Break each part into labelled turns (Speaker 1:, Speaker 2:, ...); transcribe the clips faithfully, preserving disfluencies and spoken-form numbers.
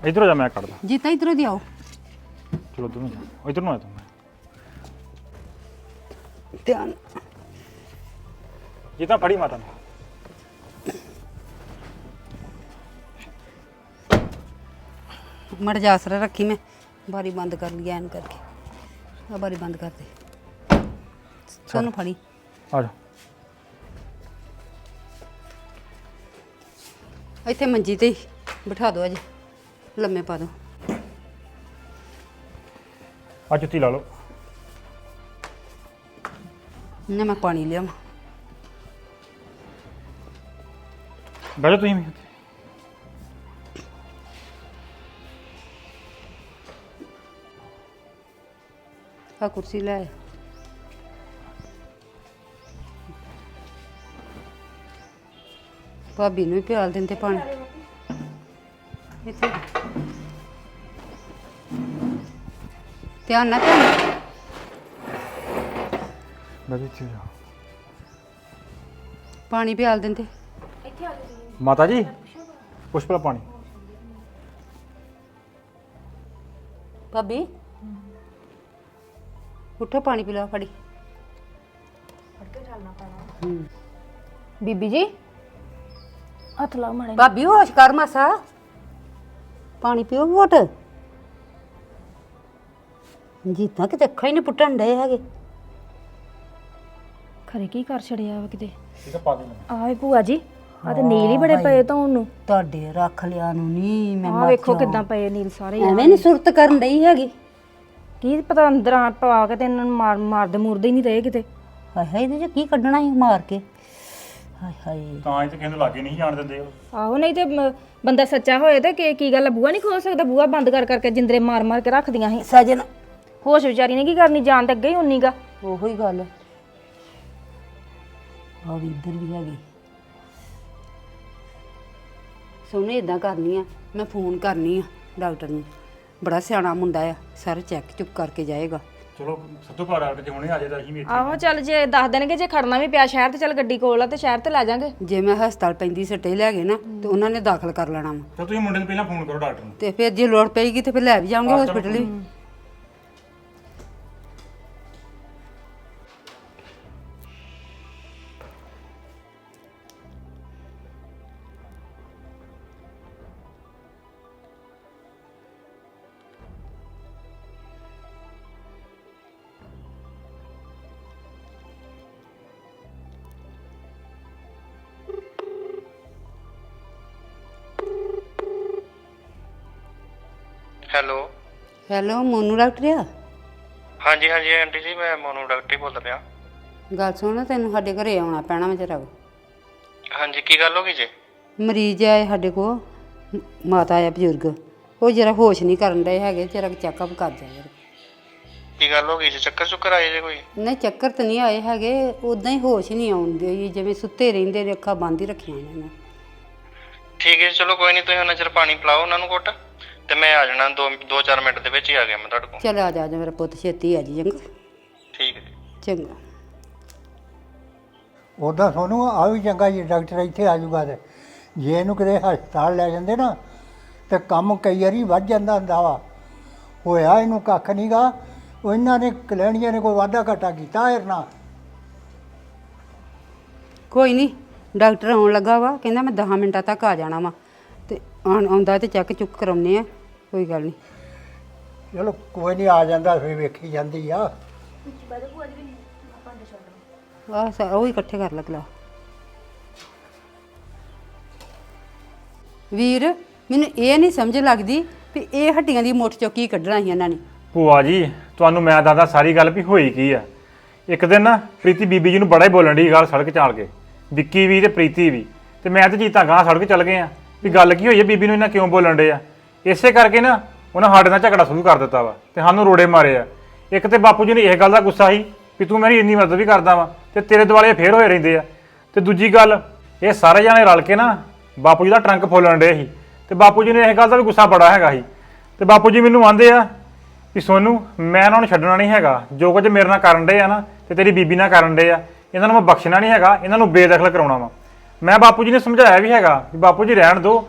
Speaker 1: इधर जा, मैं कर दा।
Speaker 2: जीता इधरों दी आओ।
Speaker 1: चलो दोनों जा, इधर ना आ तुम।
Speaker 2: ध्यान
Speaker 1: जीता फड़ी माता ने।
Speaker 2: मर जा आसरा रखी, मैं बारी बंद कर लिया एन करके। आ बारी बंद कर दे। सोनू फड़ी
Speaker 1: आ जा।
Speaker 2: ਇੱਥੇ ਮੰਜੀ ਤੇ ਬਿਠਾ ਦਿਓ ਅਜੇ, ਲੰਮੇ ਪਾ ਦਿਓ।
Speaker 1: आ जुत्ती ला लो।
Speaker 2: ਨਾ ਮੈਂ ਪਾਣੀ ਲਿਆਵਾਂ।
Speaker 1: बैठो तुम भी।
Speaker 2: ਆ ਕੁਰਸੀ ਲੈ ਆ। ਭਾਬੀ ਨੂੰ ਵੀ ਪਿਆਲ ਦਿੰਦੇ ਪਾਣੀ ਇੱਥੇ। ਧਿਆਨ ਨਾਲ ਧਿਆਨ ਨਾਲ।
Speaker 1: बैठो इत्थे जा।
Speaker 2: ਪਾਣੀ ਪਿਆਲ ਦਿੰਦੇ।
Speaker 1: माता जी पुष्पा पानी।
Speaker 2: ਭਾਬੀ ਉੱਠੋ, ਪਾਣੀ ਪੀ ਲਓ ਫੜੀ।
Speaker 3: ਬੀਬੀ ਜੀ ਹੱਥ ਲਾ ਮਾੜੇ।
Speaker 2: ਭਾਬੀ ਹੋਸ਼ ਕਰ ਮਾਸਾ, ਪਾਣੀ ਪੀਓ ਘੁੱਟ। ਜੀਤਾਂ ਕਿਤੇ ਅੱਖਾਂ ਹੀ ਨਹੀਂ ਪੁੱਟਣ ਡਏ ਹੈਗੇ।
Speaker 3: ਖਰੇ ਕੀ ਕਰ ਛੜਿਆ ਵਾ ਕਿਤੇ।
Speaker 1: ठीक है पा दे।
Speaker 3: ਆਏ ਭੂਆ ਜੀ, ਆ ਤੇ ਨੀਲ ਹੀ ਬੜੇ ਪਏ ਧੋਣ ਨੂੰ।
Speaker 2: ਤੁਹਾਡੇ ਰੱਖ ਲਿਆ ਨੂੰ ਨਹੀਂ ਮੈਂ
Speaker 3: ਆ
Speaker 2: ਮਰ
Speaker 3: ਵੇਖੋ
Speaker 2: ਜਾ।
Speaker 3: ਕਿਦਾਂ ਪਏ ਨੀਲ ਸਾਰੇ।
Speaker 2: ਐਵੇਂ ਨਹੀਂ ਸੁਰਤ ਕਰਨ ਡਈ ਹੈਗੀ।
Speaker 3: ਕੀ ਪਤਾ ਅੰਦਰ ਆ ਪਾ ਕੇ ਤੇ ਇਹਨਾਂ ਨੂੰ ਮਾਰ ਮਾਰਦੇ ਮੁਰਦੇ ਹੀ ਨਹੀਂ ਰਹੇ ਕਿਤੇ।
Speaker 2: ਹਾਏ ਹਾਏ ਇਹਦੇ ਚ ਕੀ ਕੱਢਣਾ ਸੀ ਮਾਰ ਕੇ। ਹਾਏ ਹਾਏ
Speaker 1: ਤਾਂ ਇਹ ਤੇ ਕਹਿੰਦੇ ਲਾਗੇ ਨਹੀਂ ਜਾਣ ਦਿੰਦੇ ਉਹ।
Speaker 3: ਆਹੋ ਨਹੀਂ ਤੇ ਮ- ਬੰਦਾ ਸੱਚਾ ਹੋਏ ਤੇ ਕੀ ਕੀ ਗੱਲ ਆ, ਬੂਹਾ ਨਹੀਂ ਖੋਲ ਸਕਦਾ। ਬੂਹਾ ਬੰਦ ਕਰ ਕਰਕੇ ਜਿੰਦਰੇ ਮਾਰ ਮਾਰ ਕੇ ਰੱਖਦੀਆਂ ਸੀ।
Speaker 2: ਸਜਨ
Speaker 3: ਹੋਸ਼ ਵਿਚਾਰੀ ਨੇ ਕੀ ਕਰਨੀ, ਜਾਣ ਤੇ ਅੱਗੇ ਹੀ ਉਨੀ ਗਾ।
Speaker 2: ਉਹੋ ਹੀ ਗੱਲ ਆ ਵੀ ਇੱਧਰ ਵੀ ਹੈਗੀ। ਸੋਨੇ ਇਦਾਂ ਕਰਨੀ ਆ, ਮੈਂ ਫੋਨ ਕਰਨੀ ਆ ਡਾਕਟਰ ਨੂੰ। ਬੜਾ ਸਿਆਣਾ ਮੁੰਡਾ ਆ, ਸਾਰਾ ਚੈੱਕ ਚੁੱਕ ਕਰਕੇ ਜਾਏਗਾ।
Speaker 1: ਚਲੋ ਸੱਤੂ ਘਰ ਡਾਕਟਰ ਜੇ ਹੁਣੇ ਆ ਜਾਏ ਤਾਂ ਅਸੀਂ ਵੀ ਇੱਥੇ।
Speaker 3: ਆਹੋ ਚੱਲ ਜੇ ਦੱਸ ਦੇਣਗੇ, ਜੇ ਖੜਨਾ ਵੀ ਪਿਆ ਸ਼ਹਿਰ ਤੇ ਚੱਲ ਗੱਡੀ ਕੋਲ ਆ ਤੇ ਸ਼ਹਿਰ ਤੇ ਲੈ ਜਾਾਂਗੇ।
Speaker 2: ਜੇ ਮੈਂ ਹਸਪਤਾਲ ਪੈਂਦੀ ਸੱਟੇ ਲੈ ਗਏ ਨਾ ਤੇ ਉਹਨਾਂ ਨੇ ਦਾਖਲ ਕਰ ਲੈਣਾ ਵਾ।
Speaker 1: ਤਾਂ ਤੁਸੀਂ ਮੁੰਡੇ ਨੂੰ ਪਹਿਲਾਂ ਫੋਨ ਕਰੋ ਡਾਕਟਰ ਨੂੰ।
Speaker 2: ਤੇ ਫਿਰ ਜੇ ਲੋੜ ਪਏਗੀ ਤੇ ਫਿਰ ਲੈ ਵੀ ਜਾਵਾਂਗੇ ਹਸਪੀਟਲ ਵੀ।
Speaker 4: ਹੈਲੋ
Speaker 2: ਹੈਲੋ ਮੋਨੂ ਡਾਕਟਰ ਆ?
Speaker 4: ਹਾਂਜੀ ਹਾਂਜੀ ਆਂਟੀ ਜੀ, ਮੈਂ ਮੋਨੂ ਡਾਕਟਰ ਹੀ ਬੋਲਦਾ ਪਿਆ।
Speaker 2: ਗੱਲ ਸੁਣ, ਤੈਨੂੰ ਸਾਡੇ ਘਰੇ ਆਉਣਾ ਪੈਣਾ ਵਾ ਜਰਾ।
Speaker 4: ਹਾਂਜੀ ਕੀ ਗੱਲ ਹੋ ਗਈ ਜੀ?
Speaker 2: ਮਰੀਜ਼ ਆਏ ਸਾਡੇ ਕੋਲ, ਮ- ਮਾਤਾ ਆ ਬਜ਼ੁਰਗ, ਉਹ ਜਰਾ ਹੋਸ਼ ਨਹੀਂ ਕਰਨ ਡਏ ਹੈਗੇ। ਜਰਾ ਚੈੱਕਅਪ ਕਰ ਜਾ ਯਾਰ।
Speaker 4: ਕੀ ਗੱਲ ਹੋ ਗਈ ਜੀ? ਚੱਕਰ ਚੁੱਕਰ ਆਏ ਜੇ ਕੋਈ?
Speaker 2: ਨਹੀਂ ਚੱਕਰ ਤਾਂ ਨਹੀਂ ਆਏ ਹੈਗੇ, ਉਦਾਂ ਹੀ ਹੋਸ਼ ਹੀ ਨਹੀਂ ਆਉਂਦੇ, ਜਿਵੇਂ ਸੁੱਤੇ ਰਹਿੰਦੇ ਨੇ, ਅੱਖਾਂ ਬੰਦ ਹੀ ਰੱਖੀਆਂ ਨੇ।
Speaker 4: ਠੀਕ ਹੈ ਜੀ, ਚਲੋ ਕੋਈ ਨਹੀਂ, ਤੁਸੀਂ ਉਹਨਾਂ ਚਿਰ ਪਾਣੀ ਪਿਲਾਓ ਉਹਨਾਂ ਨੂੰ ਘੁੱਟ ਤੇ ਮੈਂ ਆ ਜਾਣਾ। ਦੋ ਦੋ ਚਾਰ ਮਿੰਟ ਦੇ ਵਿੱਚ ਹੀ ਆ ਗਿਆ ਮੈਂ ਤੁਹਾਡੇ ਕੋਲ।
Speaker 2: ਚੱਲ ਆ ਜਾ ਜਾ ਮੇਰਾ ਪੁੱਤ, ਛੇਤੀ ਆ ਜੀ। ਚੰਗਾ
Speaker 4: ਠੀਕ ਹੈ ਜੀ।
Speaker 2: ਚੰਗਾ।
Speaker 5: ਉੱਦਾਂ ਸੋਨੂੰ ਆ ਵੀ ਚੰਗਾ ਜੀ, ਡਾਕਟਰ ਇੱਥੇ ਆ ਜਾਊਗਾ ਤੇ ਜੇ ਇਹਨੂੰ ਕਿਤੇ ਹਸਪਤਾਲ ਲੈ ਜਾਂਦੇ ਨਾ ਤੇ ਕੰਮ ਕਈ ਵਾਰੀ ਵੱਧ ਜਾਂਦਾ ਹੁੰਦਾ ਵਾ। ਹੋਇਆ ਇਹਨੂੰ ਕੱਖ ਨਹੀਂ ਗਾ, ਉਹ ਇਹਨਾਂ ਨੇ ਕਲੈਣੀਆਂ ਨੇ ਕੋਈ ਵਾਧਾ ਘਾਟਾ ਕੀਤਾ ਇਹਦੇ ਨਾਲ।
Speaker 2: ਕੋਈ ਨਹੀਂ, ਡਾਕਟਰ ਆਉਣ ਲੱਗਾ ਵਾ, ਕਹਿੰਦਾ ਮੈਂ ਦਸ ਮਿੰਟਾਂ ਤੱਕ ਆ ਜਾਣਾ ਵਾ। ਤੇ ਆਉਣ ਆਉਂਦਾ ਤੇ ਚੈੱਕ ਚੁੱਕ ਕਰਾਉਂਦੇ ਆ, ਕੋਈ ਗੱਲ ਨਹੀਂ।
Speaker 5: ਚਲੋ ਕੋਈ ਨਹੀਂ, ਆ ਜਾਂਦਾ ਫਿਰ ਵੇਖੀ ਜਾਂਦੀ ਆ।
Speaker 2: ਆਹ ਸਾਰਾ ਉਹ ਹੀ ਇਕੱਠੇ ਕਰ ਲਗਲਾ। ਵੀਰ ਮੈਨੂੰ ਇਹ ਨਹੀਂ ਸਮਝ ਲੱਗਦੀ ਵੀ ਇਹ ਹੱਡੀਆਂ ਦੀ ਮੁੱਠ ਚੋਂ ਕੀ ਕੱਢਣਾ ਸੀ ਇਹਨਾਂ ਨੇ।
Speaker 1: ਭੂਆ ਜੀ ਤੁਹਾਨੂੰ ਮੈਂ ਦੱਸਦਾ ਸਾਰੀ ਗੱਲ ਵੀ ਹੋਈ ਕੀ ਆ। ਇੱਕ ਦਿਨ ਨਾ ਪ੍ਰੀਤੀ ਬੀਬੀ ਜੀ ਨੂੰ ਬੜਾ ਹੀ ਬੋਲਣ ਦੀ ਗੱਲ ਸੜਕ ਚਾਲ ਕੇ, ਵਿੱਕੀ ਵੀ ਤੇ ਪ੍ਰੀਤੀ ਵੀ, ਤੇ ਮੈਂ ਤੇ ਜੀਤਾ ਗਾਂ ਸੜਕ ਚੱਲ ਗਏ ਆ ਵੀ ਗੱਲ ਕੀ ਹੋਈ ਹੈ, ਬੀਬੀ ਨੂੰ ਇਹਨਾਂ ਕਿਉਂ ਬੋਲਣ ਡੇ ਆ। ਇਸੇ ਕਰਕੇ ਨਾ ਉਹਨਾਂ ਸਾਡੇ ਨਾਲ ਝਗੜਾ ਸ਼ੁਰੂ ਕਰ ਦਿੱਤਾ ਵਾ ਤੇ ਸਾਨੂੰ ਰੋੜੇ ਮਾਰੇ ਆ। ਇੱਕ ਤੇ ਬਾਪੂ ਜੀ ਨੇ ਇਹ ਗੱਲ ਦਾ ਗੁੱਸਾ ਸੀ ਵੀ ਤੂੰ ਮੇਰੀ ਇੰਨੀ ਮਦਦ ਵੀ ਕਰਦਾ ਵਾ ਤੇ ਤੇਰੇ ਦੁਆਲੇ ਫੇਰ ਹੋਏ ਰਹਿੰਦੇ ਆ। ਤੇ ਦੂਜੀ ਗੱਲ, ਇਹ ਸਾਰੇ ਜਾਣੇ ਰਲ ਕੇ ਨਾ ਬਾਪੂ ਜੀ ਦਾ ਟਰੰਕ ਫੋਲਣ ਡੇ ਸੀ ਤੇ ਬਾਪੂ ਜੀ ਨੇ ਇਹ ਗੱਲ ਦਾ ਵੀ ਗੁੱਸਾ ਬੜਾ ਹੈਗਾ ਸੀ। ਤੇ ਬਾਪੂ ਜੀ ਮੈਨੂੰ ਆਂਦੇ ਆ ਵੀ ਸੋਨੂੰ ਮੈਂ ਇਹਨਾਂ ਨੂੰ ਛੱਡਣਾ ਨਹੀਂ ਹੈਗਾ, ਜੋ ਕੁਝ ਮੇਰੇ ਨਾਲ ਕਰਨ ਡੇ ਆ ਨਾ ਤੇ ਤੇਰੀ ਬੀਬੀ ਨਾਲ ਕਰਨ ਡੇ ਆ, ਇਹਨਾਂ ਨੂੰ ਮੈਂ ਬਖਸ਼ਣਾ ਨਹੀਂ ਹੈਗਾ, ਇਹਨਾਂ ਨੂੰ ਬੇਦਖਲ ਕਰਾਉਣਾ ਵਾ। ਮੈਂ ਬਾਪੂ ਜੀ ਨੇ ਸਮਝਾਇਆ ਵੀ ਹੈਗਾ ਵੀ ਬਾਪੂ ਜੀ ਰਹਿਣ ਦਿਓ,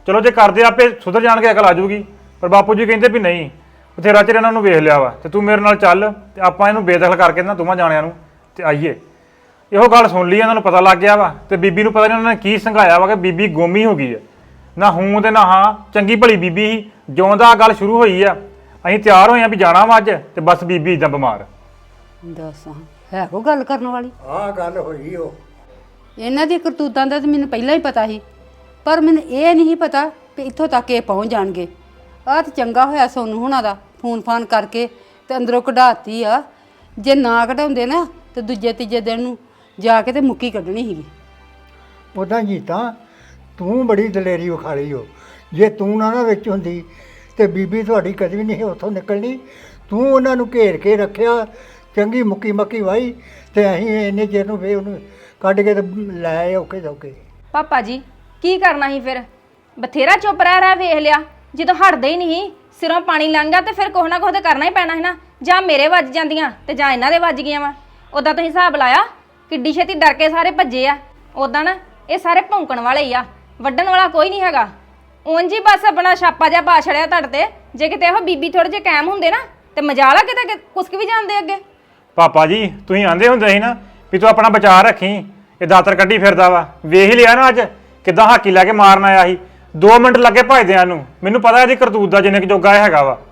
Speaker 1: ਚਲੋ ਜੇ ਕਰਦੇ ਆਪੇ ਸੁਧਰ ਜਾਣਗੇ, ਅਕਲ ਆ ਜਾਊਗੀ। ਪਰ ਬਾਪੂ ਜੀ ਕਹਿੰਦੇ ਵੀ ਨਹੀਂ, ਬਥੇਰਾ ਚਿਰ ਇਹਨਾਂ ਨੂੰ ਵੇਖ ਲਿਆ ਵਾ, ਤੇ ਤੂੰ ਮੇਰੇ ਨਾਲ ਚੱਲ ਤੇ ਆਪਾਂ ਇਹਨੂੰ ਬੇਦਖਲ ਕਰਕੇ ਨਾ ਦੋਵਾਂ ਜਾਣਿਆਂ ਨੂੰ ਤੇ ਆਈਏ। ਇਹੋ ਗੱਲ ਸੁਣ ਲਈ, ਇਹਨਾਂ ਨੂੰ ਪਤਾ ਲੱਗ ਗਿਆ ਵਾ, ਤੇ ਬੀਬੀ ਨੂੰ ਪਤਾ ਨਹੀਂ ਉਹਨਾਂ ਨੇ ਕੀ ਸੰਘਾਇਆ ਵਾ ਕਿ ਬੀਬੀ ਗੋਮੀ ਹੋ ਗਈ ਆ। ਨਾ ਹੂੰ ਤੇ ਨਾ ਹਾਂ, ਚੰਗੀ ਭਲੀ ਬੀਬੀ ਸੀ। ਜਿਉਂ ਦਾ ਗੱਲ ਸ਼ੁਰੂ ਹੋਈ ਆ ਅਸੀਂ ਤਿਆਰ ਹੋਏ ਆ ਵੀ ਜਾਣਾ ਵਾ ਅੱਜ, ਤੇ ਬਸ ਬੀਬੀ ਇਦਾਂ ਬਿਮਾਰ।
Speaker 2: ਦੱਸ ਹਾਂ, ਹੈ ਕੋ ਗੱਲ ਕਰਨ ਵਾਲੀ?
Speaker 5: ਆਹ ਗੱਲ ਹੋਈ ਉਹ।
Speaker 2: ਇਹਨਾਂ ਦੀ ਕਰਤੂਤਾਂ ਦਾ ਤਾਂ ਮੈਨੂੰ ਪਹਿਲਾਂ ਹੀ ਪਤਾ ਸੀ, ਪਰ ਮੈਨੂੰ ਇਹ ਨਹੀਂ ਪਤਾ ਵੀ ਇੱਥੋਂ ਤੱਕ ਇਹ ਪਹੁੰਚ ਜਾਣਗੇ। ਆਹ ਤਾਂ ਚੰਗਾ ਹੋਇਆ ਸੋਨੂੰ ਹੁਣਾਂ ਦਾ ਫੋਨ ਫਾਨ ਕਰਕੇ ਤੇ ਅੰਦਰੋਂ ਕਢਾਤੀ ਆ। ਜੇ ਨਾ ਕਢਾਉਂਦੇ ਨਾ ਤੇ ਦੂਜੇ ਤੀਜੇ ਦਿਨ ਨੂੰ ਜਾ ਕੇ ਤੇ ਮੁੱਕੀ ਕੱਢਣੀ ਸੀਗੀ।
Speaker 5: ਉਦਾਂ ਜੀਤਾ ਤੂੰ ਬੜੀ ਦਲੇਰੀ ਵਿਖਾਲੀ ਹੋ। ਜੇ ਤੂੰ ਨਾ ਨਾ ਵਿੱਚ ਹੁੰਦੀ ਤੇ ਬੀਬੀ ਤੁਹਾਡੀ ਕਦੀ ਵੀ ਨਹੀਂ ਉੱਥੋਂ ਨਿਕਲਣੀ। ਤੂੰ ਉਹਨਾਂ ਨੂੰ ਘੇਰ ਕੇ ਰੱਖਿਆ, ਚੰਗੀ ਮੁੱਕੀ ਮੱਕੀ ਵਾਹੀ, ਤੇ ਅਸੀਂ ਇੰਨੇ ਚਿਰ ਨੂੰ ਫੇਰ ਉਹਨੂੰ ਕੱਢ ਕੇ ਤੇ ਲੈ ਆਏ ਔਖੇ ਸੌਖੇ।
Speaker 3: ਪਾਪਾ ਜੀ ਕੀ ਕਰਨਾ ਸੀ ਫਿਰ? ਬਥੇਰਾ ਚੁੱਪ ਰਹਿ ਰਹਿ ਵੇਖ ਲਿਆ, ਜਦੋਂ ਹਟਦੇ ਹੀ ਨਹੀਂ, ਸਿਰੋਂ ਪਾਣੀ ਲੰਘਾ ਤੇ ਫਿਰ ਕੁਛ ਨਾ ਕੁਛ ਤਾਂ ਕਰਨਾ ਹੀ ਪੈਣਾ ਸੀ ਨਾ। ਜਾਂ ਮੇਰੇ ਵੱਜ ਜਾਂਦੀਆਂ ਤੇ ਜਾਂ ਇਹਨਾਂ ਦੇ ਵੱਜ ਗਈਆਂ ਵਾ। ਉਦਾਂ ਤੁਸੀਂ ਹਿਸਾਬ ਲਾਇਆ ਕਿੱਡੀ ਛੇਤੀ ਡਰ ਕੇ ਸਾਰੇ ਭੱਜੇ ਆ। ਉਦਾਂ ਨਾ ਇਹ ਸਾਰੇ ਭੌਂਕਣ ਵਾਲੇ ਹੀ ਆ, ਵੱਢਣ ਵਾਲਾ ਕੋਈ ਨਹੀਂ ਹੈਗਾ। ਉਂਝ ਹੀ ਬਸ ਆਪਣਾ ਛਾਪਾ ਜਿਹਾ ਪਾ ਛੜਿਆ ਤੁਹਾਡੇ ਤੇ। ਜੇ ਕਿਤੇ ਉਹ ਬੀਬੀ ਥੋੜੇ ਜਿਹੇ ਕਾਇਮ ਹੁੰਦੇ ਨਾ ਤੇ ਮਜਾਲ ਆ ਕਿਤੇ ਕੁਸਕ ਵੀ ਜਾਂਦੇ ਅੱਗੇ।
Speaker 1: ਪਾਪਾ ਜੀ ਤੁਸੀਂ ਆਂਦੇ ਹੁੰਦੇ ਸੀ ਨਾ ਵੀ ਤੂੰ ਆਪਣਾ ਬਚਾਅ ਰੱਖੀ, ਇਹ ਦਾਤਰ ਕੱਢੀ ਫਿਰਦਾ ਵਾ। ਵੇਖ ਹੀ ਲਿਆ ਨਾ ਅੱਜ ਕਿੱਦਾਂ ਹਾਕੀ ਲੈ ਕੇ ਮਾਰਨ ਆਇਆ ਸੀ। ਦੋ ਮਿੰਟ ਲੱਗੇ ਭਜਦਿਆਂ ਨੂੰ। ਮੈਨੂੰ ਪਤਾ ਇਹਦੀ ਕਰਤੂਤ ਦਾ ਜਿੰਨੇ ਕੁ ਜੋਗਾ ਇਹ ਹੈਗਾ ਵਾ।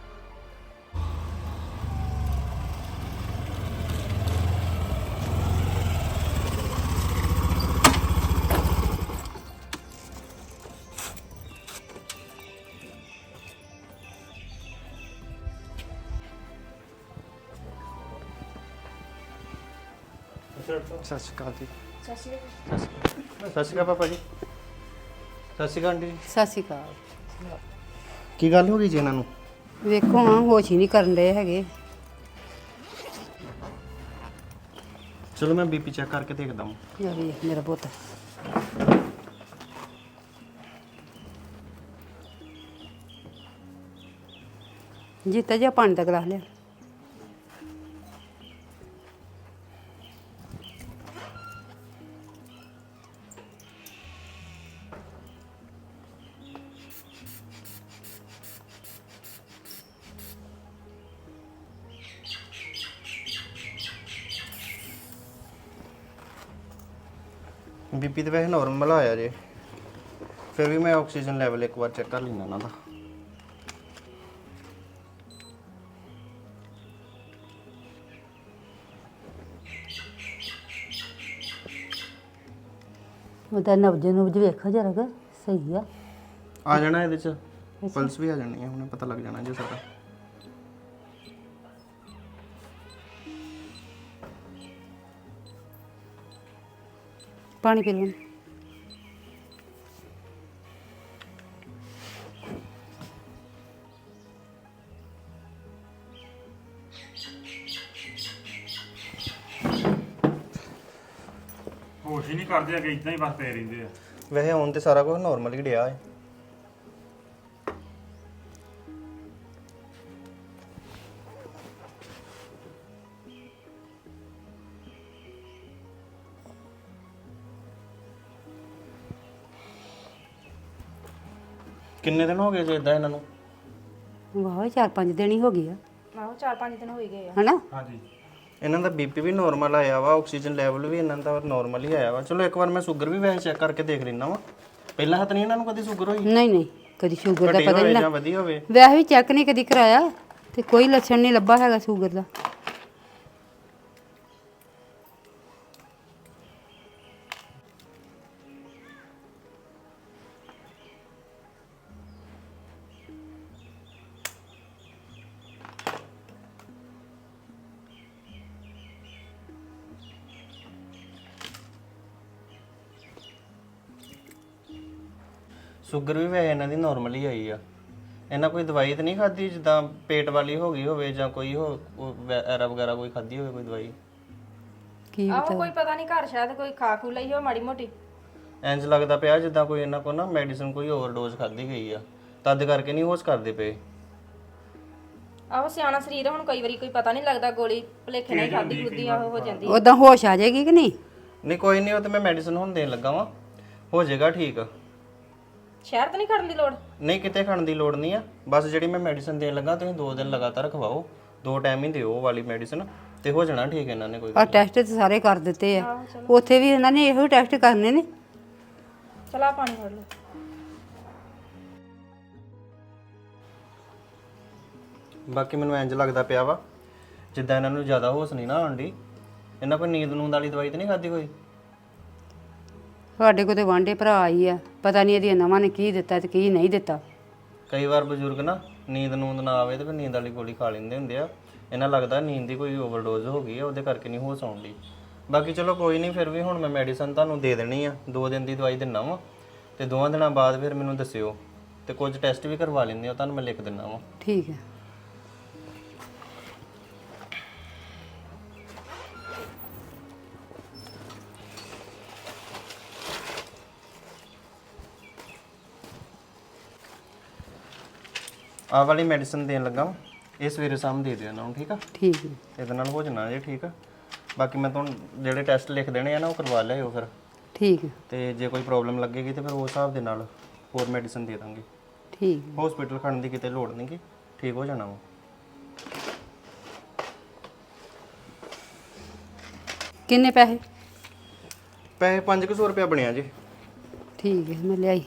Speaker 6: ਸਤਿ ਸ਼੍ਰੀ ਅਕਾਲ ਜੀ। ਸਤਿ ਸ਼੍ਰੀ ਅਕਾਲ ਸਤਿ ਸ਼੍ਰੀ ਅਕਾਲ ਪਾਪਾ ਜੀ। ਸਤਿ ਸ਼੍ਰੀ ਅਕਾਲ ਆਂਟੀ।
Speaker 2: ਸਤਿ ਸ਼੍ਰੀ ਅਕਾਲ।
Speaker 6: ਕੀ ਗੱਲ ਹੋ ਗਈ ਜੀ ਇਹਨਾਂ ਨੂੰ?
Speaker 2: ਵੇਖੋ ਹਾਂ, ਹੋਸ਼ ਹੀ ਨਹੀਂ ਕਰਨ ਰਹੇ ਹੈਗੇ।
Speaker 6: ਚਲੋ ਮੈਂ ਬੀਪੀ ਚੈੱਕ ਕਰਕੇ ਦੇਖਦਾ ਹਾਂ।
Speaker 2: ਯਾ ਵੇਖ ਮੇਰਾ ਪੁੱਤ। ਜੀਤਾ ਜੀ ਪਾਣੀ ਦਾ ਗਲਾਸ ਲਿਆ।
Speaker 6: ਬੀਪੀ ਤੇ ਵੈਸੇ ਨਾਰਮਲ ਆਇਆ ਜੇ, ਫਿਰ ਵੀ ਮੈਂ ਆਕਸੀਜਨ ਲੈਵਲ ਇੱਕ ਵਾਰ ਚੈੱਕ ਕਰ ਲੈਣਾ ਇਹਨਾਂ ਦਾ।
Speaker 2: ਉਹਦਾ ਨਬਜ ਨੁਬਜ ਵੇਖੋ ਜਰਾ ਕਿ ਸਹੀ ਆ।
Speaker 6: ਆ ਜਾਣਾ ਇਹਦੇ ਚ, ਪਲਸ ਵੀ ਆ ਜਾਣੀ ਹੈ, ਹੁਣੇ ਪਤਾ ਲੱਗ ਜਾਣਾ ਜੀ ਸਾਡਾ।
Speaker 2: ਪਾਣੀ ਪੀ ਲਓ।
Speaker 1: ਹੋਸ਼ ਹੀ ਨਹੀਂ ਕਰਦੇ ਅੱਗੇ, ਇਦਾਂ ਹੀ ਬਸ ਪਏ ਰਹਿੰਦੇ ਆ।
Speaker 6: ਵੈਸੇ ਹੁਣ ਤੇ ਸਾਰਾ ਕੁਝ ਨਾਰਮਲ ਹੀ ਡਿਆ ਹੈ। ਕਿੰਨੇ ਦਿਨ ਹੋ ਗਏ ਜੇ ਇਦਾਂ ਇਹਨਾਂ ਨੂੰ?
Speaker 2: ਵਾਹ ਚਾਰ ਪੰਜ ਦਿਨ ਹੀ ਹੋ ਗਏ ਆ।
Speaker 3: ਆਹੋ ਚਾਰ ਪੰਜ ਦਿਨ ਹੋ ਹੀ ਗਏ ਆ।
Speaker 2: ਹਨਾ?
Speaker 1: ਹਾਂਜੀ।
Speaker 6: ਇਹਨਾਂ ਦਾ ਬੀਪੀ ਵੀ ਨਾਰਮਲ ਆਇਆ ਵਾ, ਆਕਸੀਜਨ ਲੈਵਲ ਵੀ ਇਹਨਾਂ ਦਾ ਨਾਰਮਲ ਹੀ ਆਇਆ ਵਾ। ਚਲੋ ਇੱਕ ਵਾਰ ਮੈਂ ਸ਼ੂਗਰ ਵੀ ਵੈਸੇ ਚੈੱਕ ਕਰਕੇ ਦੇਖ ਲੈਣਾ ਵਾ। ਪਹਿਲਾਂ ਹੱਥ ਨਹੀਂ ਇਹਨਾਂ ਨੂੰ ਕਦੀ ਸ਼ੂਗਰ ਹੋਈ?
Speaker 2: ਨਹੀਂ ਨਹੀਂ, ਕਦੀ ਸ਼ੂਗਰ ਦਾ
Speaker 6: ਘਟੀ
Speaker 2: ਪਤਾ
Speaker 6: ਹੋਵੇ
Speaker 2: ਨਹੀਂ
Speaker 6: ਜਾਂ ਵਧੀ ਹੋਵੇ?
Speaker 2: ਵੈਸੇ ਵੀ ਚੈੱਕ ਨਹੀਂ ਕਦੀ ਕਰਾਇਆ ਤੇ ਕੋਈ ਲੱਛਣ ਨਹੀਂ ਲੱਭਾ ਹੈਗਾ ਸ਼ੂਗਰ ਦਾ।
Speaker 6: ਸ਼ੂਗਰ ਵੀ ਵੈਸੇ ਇਹਨਾਂ ਦੀ ਨਾਰਮਲ ਹੀ ਆਈ ਆ। ਇਹਨਾਂ ਕੋਈ ਦਵਾਈ ਤਾਂ ਨਹੀਂ ਖਾਧੀ ਜਿੱਦਾਂ ਪੇਟ ਵਾਲੀ ਹੋ ਗਈ ਹੋਵੇ ਜਾਂ ਕੋਈ ਹੋ ਐਰਾ ਵਗੈਰਾ ਕੋਈ ਖਾਧੀ ਹੋਵੇ ਕੋਈ ਦਵਾਈ?
Speaker 2: ਕੀ
Speaker 3: ਆਹੋ ਕੋਈ ਪਤਾ ਨਹੀਂ, ਘਰ ਸ਼ਾਇਦ ਕੋਈ ਖਾ ਖੂ ਲਈ ਹੋ ਮਾੜੀ ਮੋਟੀ।
Speaker 6: ਇੰਜ ਲੱਗਦਾ ਪਿਆ ਜਿੱਦਾਂ ਕੋਈ ਇਹਨਾਂ ਕੋਲ ਨਾ ਮੈਡੀਸਿਨ ਕੋਈ ਓਵਰਡੋਜ਼ ਖਾਧੀ ਗਈ ਆ, ਤਦ ਕਰਕੇ ਨਹੀਂ ਹੋਸ਼ ਕਰਦੇ ਪਏ।
Speaker 3: ਆਹੋ ਸਿਆਣਾ ਸਰੀਰ ਆ, ਹੁਣ ਕਈ ਵਾਰੀ ਕੋਈ ਪਤਾ ਨਹੀਂ ਲੱਗਦਾ, ਗੋਲੀ ਭੁਲੇਖੇ ਨਾਲ ਖਾਦੀ ਖੁੱਦੀ ਆ ਹੋ ਜਾਂਦੀ।
Speaker 2: ਉਦਾਂ ਹੋਸ਼ ਆ ਜਾਏਗੀ ਕਿ ਨਹੀਂ?
Speaker 6: ਨਹੀਂ ਕੋਈ ਨਹੀਂ, ਉਹ ਤੇ ਮੈਂ ਮੈਡੀਸਿਨ ਹੁਣ ਦੇਣ ਲੱਗਾ ਵਾਂ, ਹੋ ਜਾਏਗਾ ਠੀਕ।
Speaker 3: ਸ਼ਹਿਰ ਤਾਂ ਨਹੀਂ ਖੜਨ ਦੀ ਲੋੜ?
Speaker 6: ਨਹੀਂ ਕਿਤੇ ਖਾਣ ਦੀ ਲੋੜ ਨਹੀਂ ਆ, ਬਸ ਜਿਹੜੀ ਮੈਂ ਮੈਡੀਸਨ ਦੇਣ ਲੱਗਾ ਤੁਸੀਂ ਦੋ ਦਿਨ ਲਗਾਤਾਰ ਖਵਾਓ, ਦੋ ਟਾਈਮ ਹੀ ਦਿਓ ਉਹ ਵਾਲੀ ਮੈਡੀਸਨ ਤੇ ਹੋ ਜਾਣਾ ਠੀਕ ਇਹਨਾਂ ਨੇ ਕੋਈ
Speaker 2: ਆ ਟੈਸਟ ਤੇ ਸਾਰੇ ਕਰ ਦਿੱਤੇ ਆ, ਉੱਥੇ ਵੀ ਇਹਨਾਂ ਨੇ ਇਹੋ ਟੈਸਟ ਕਰਨੇ ਨੇ।
Speaker 3: ਚਲਾ ਪਾਣੀ ਫੜ ਲਓ।
Speaker 6: ਬਾਕੀ ਮੈਨੂੰ ਇੰਜ ਲੱਗਦਾ ਪਿਆ ਵਾ ਜਿੱਦਾਂ ਇਹਨਾਂ ਨੂੰ ਜ਼ਿਆਦਾ ਹੋਸ਼ ਨਹੀਂ ਨਾ ਆਉਂਦੀ, ਇਹਨਾਂ ਕੋਈ ਨੀਂਦ ਨੂੰਦ ਵਾਲੀ ਦਵਾਈ ਤਾਂ ਨਹੀਂ ਖਾਧੀ ਕੋਈ?
Speaker 2: ਸਾਡੇ ਕੋਲ ਤੇ ਵਾਂਢੇ ਭਰਾ ਆਈ ਆ, ਪਤਾ ਨਹੀਂ ਇਹਦੀਆਂ ਨਵਾਂ ਨੇ ਕੀ ਦਿੱਤਾ ਤੇ ਕੀ ਨਹੀਂ ਦਿੱਤਾ।
Speaker 6: ਕਈ ਵਾਰ ਬਜ਼ੁਰਗ ਨਾ ਨੀਂਦ ਨੂੰਦ ਨਾ ਆਵੇ ਤੇ ਫਿਰ ਨੀਂਦ ਵਾਲੀ ਗੋਲੀ ਖਾ ਲੈਂਦੇ ਹੁੰਦੇ ਆ, ਇਹਨਾਂ ਲੱਗਦਾ ਨੀਂਦ ਦੀ ਕੋਈ ਓਵਰਡੋਜ਼ ਹੋ ਗਈ ਆ, ਉਹਦੇ ਕਰਕੇ ਨਹੀਂ ਹੋਸ਼ ਆਉਂਦੀ। ਬਾਕੀ ਚਲੋ ਕੋਈ ਨਹੀਂ, ਫਿਰ ਵੀ ਹੁਣ ਮੈਂ ਮੈਡੀਸਨ ਤੁਹਾਨੂੰ ਦੇ ਦੇਣੀ ਆ, ਦੋ ਦਿਨ ਦੀ ਦਵਾਈ ਦਿੰਨਾ ਵਾ ਤੇ ਦੋਵਾਂ ਦਿਨਾਂ ਬਾਅਦ ਫਿਰ ਮੈਨੂੰ ਦੱਸਿਓ ਤੇ ਕੁਝ ਟੈਸਟ ਵੀ ਕਰਵਾ ਲੈਂਦੇ ਆ, ਤੁਹਾਨੂੰ ਮੈਂ ਲਿਖ ਦਿੰਨਾ ਵਾ।
Speaker 2: ਠੀਕ ਹੈ।
Speaker 6: ਆਹ ਵਾਲੀ ਮੈਡੀਸਨ ਦੇਣ ਲੱਗਾ ਵਾਂ, ਇਹ ਸਵੇਰੇ ਸ਼ਾਮ ਦੇ ਦਿਓ ਇਹਨਾਂ ਨੂੰ, ਠੀਕ ਆ?
Speaker 2: ਠੀਕ ਹੈ।
Speaker 6: ਇਹਦੇ ਨਾਲ ਹੋ ਜਾਣਾ ਜੇ ਠੀਕ ਆ। ਬਾਕੀ ਮੈਂ ਤੁਹਾਨੂੰ ਜਿਹੜੇ ਟੈਸਟ ਲਿਖ ਦੇਣੇ ਆ ਨਾ ਉਹ ਕਰਵਾ ਲਿਆਓ ਫਿਰ,
Speaker 2: ਠੀਕ ਹੈ।
Speaker 6: ਤੇ ਜੇ ਕੋਈ ਪ੍ਰੋਬਲਮ ਲੱਗੇਗੀ ਤੇ ਫਿਰ ਉਸ ਹਿਸਾਬ ਦੇ ਨਾਲ ਹੋਰ ਮੈਡੀਸਨ ਦੇ ਦਾਂਗੇ।
Speaker 2: ਠੀਕ ਹੈ।
Speaker 6: ਹਸਪੀਟਲ ਖੜਨ ਦੀ ਕਿਤੇ ਲੋੜ ਨਹੀਂਗੀ, ਠੀਕ ਹੋ ਜਾਣਾ ਵਾ।
Speaker 2: ਕਿੰਨੇ ਪੈਸੇ?
Speaker 6: ਪੈਸੇ ਪੰਜ ਕੁ ਸੌ ਰੁਪਇਆ ਬਣਿਆ ਜੀ।
Speaker 2: ਠੀਕ ਹੈ, ਮੈਂ ਲਿਆਈ।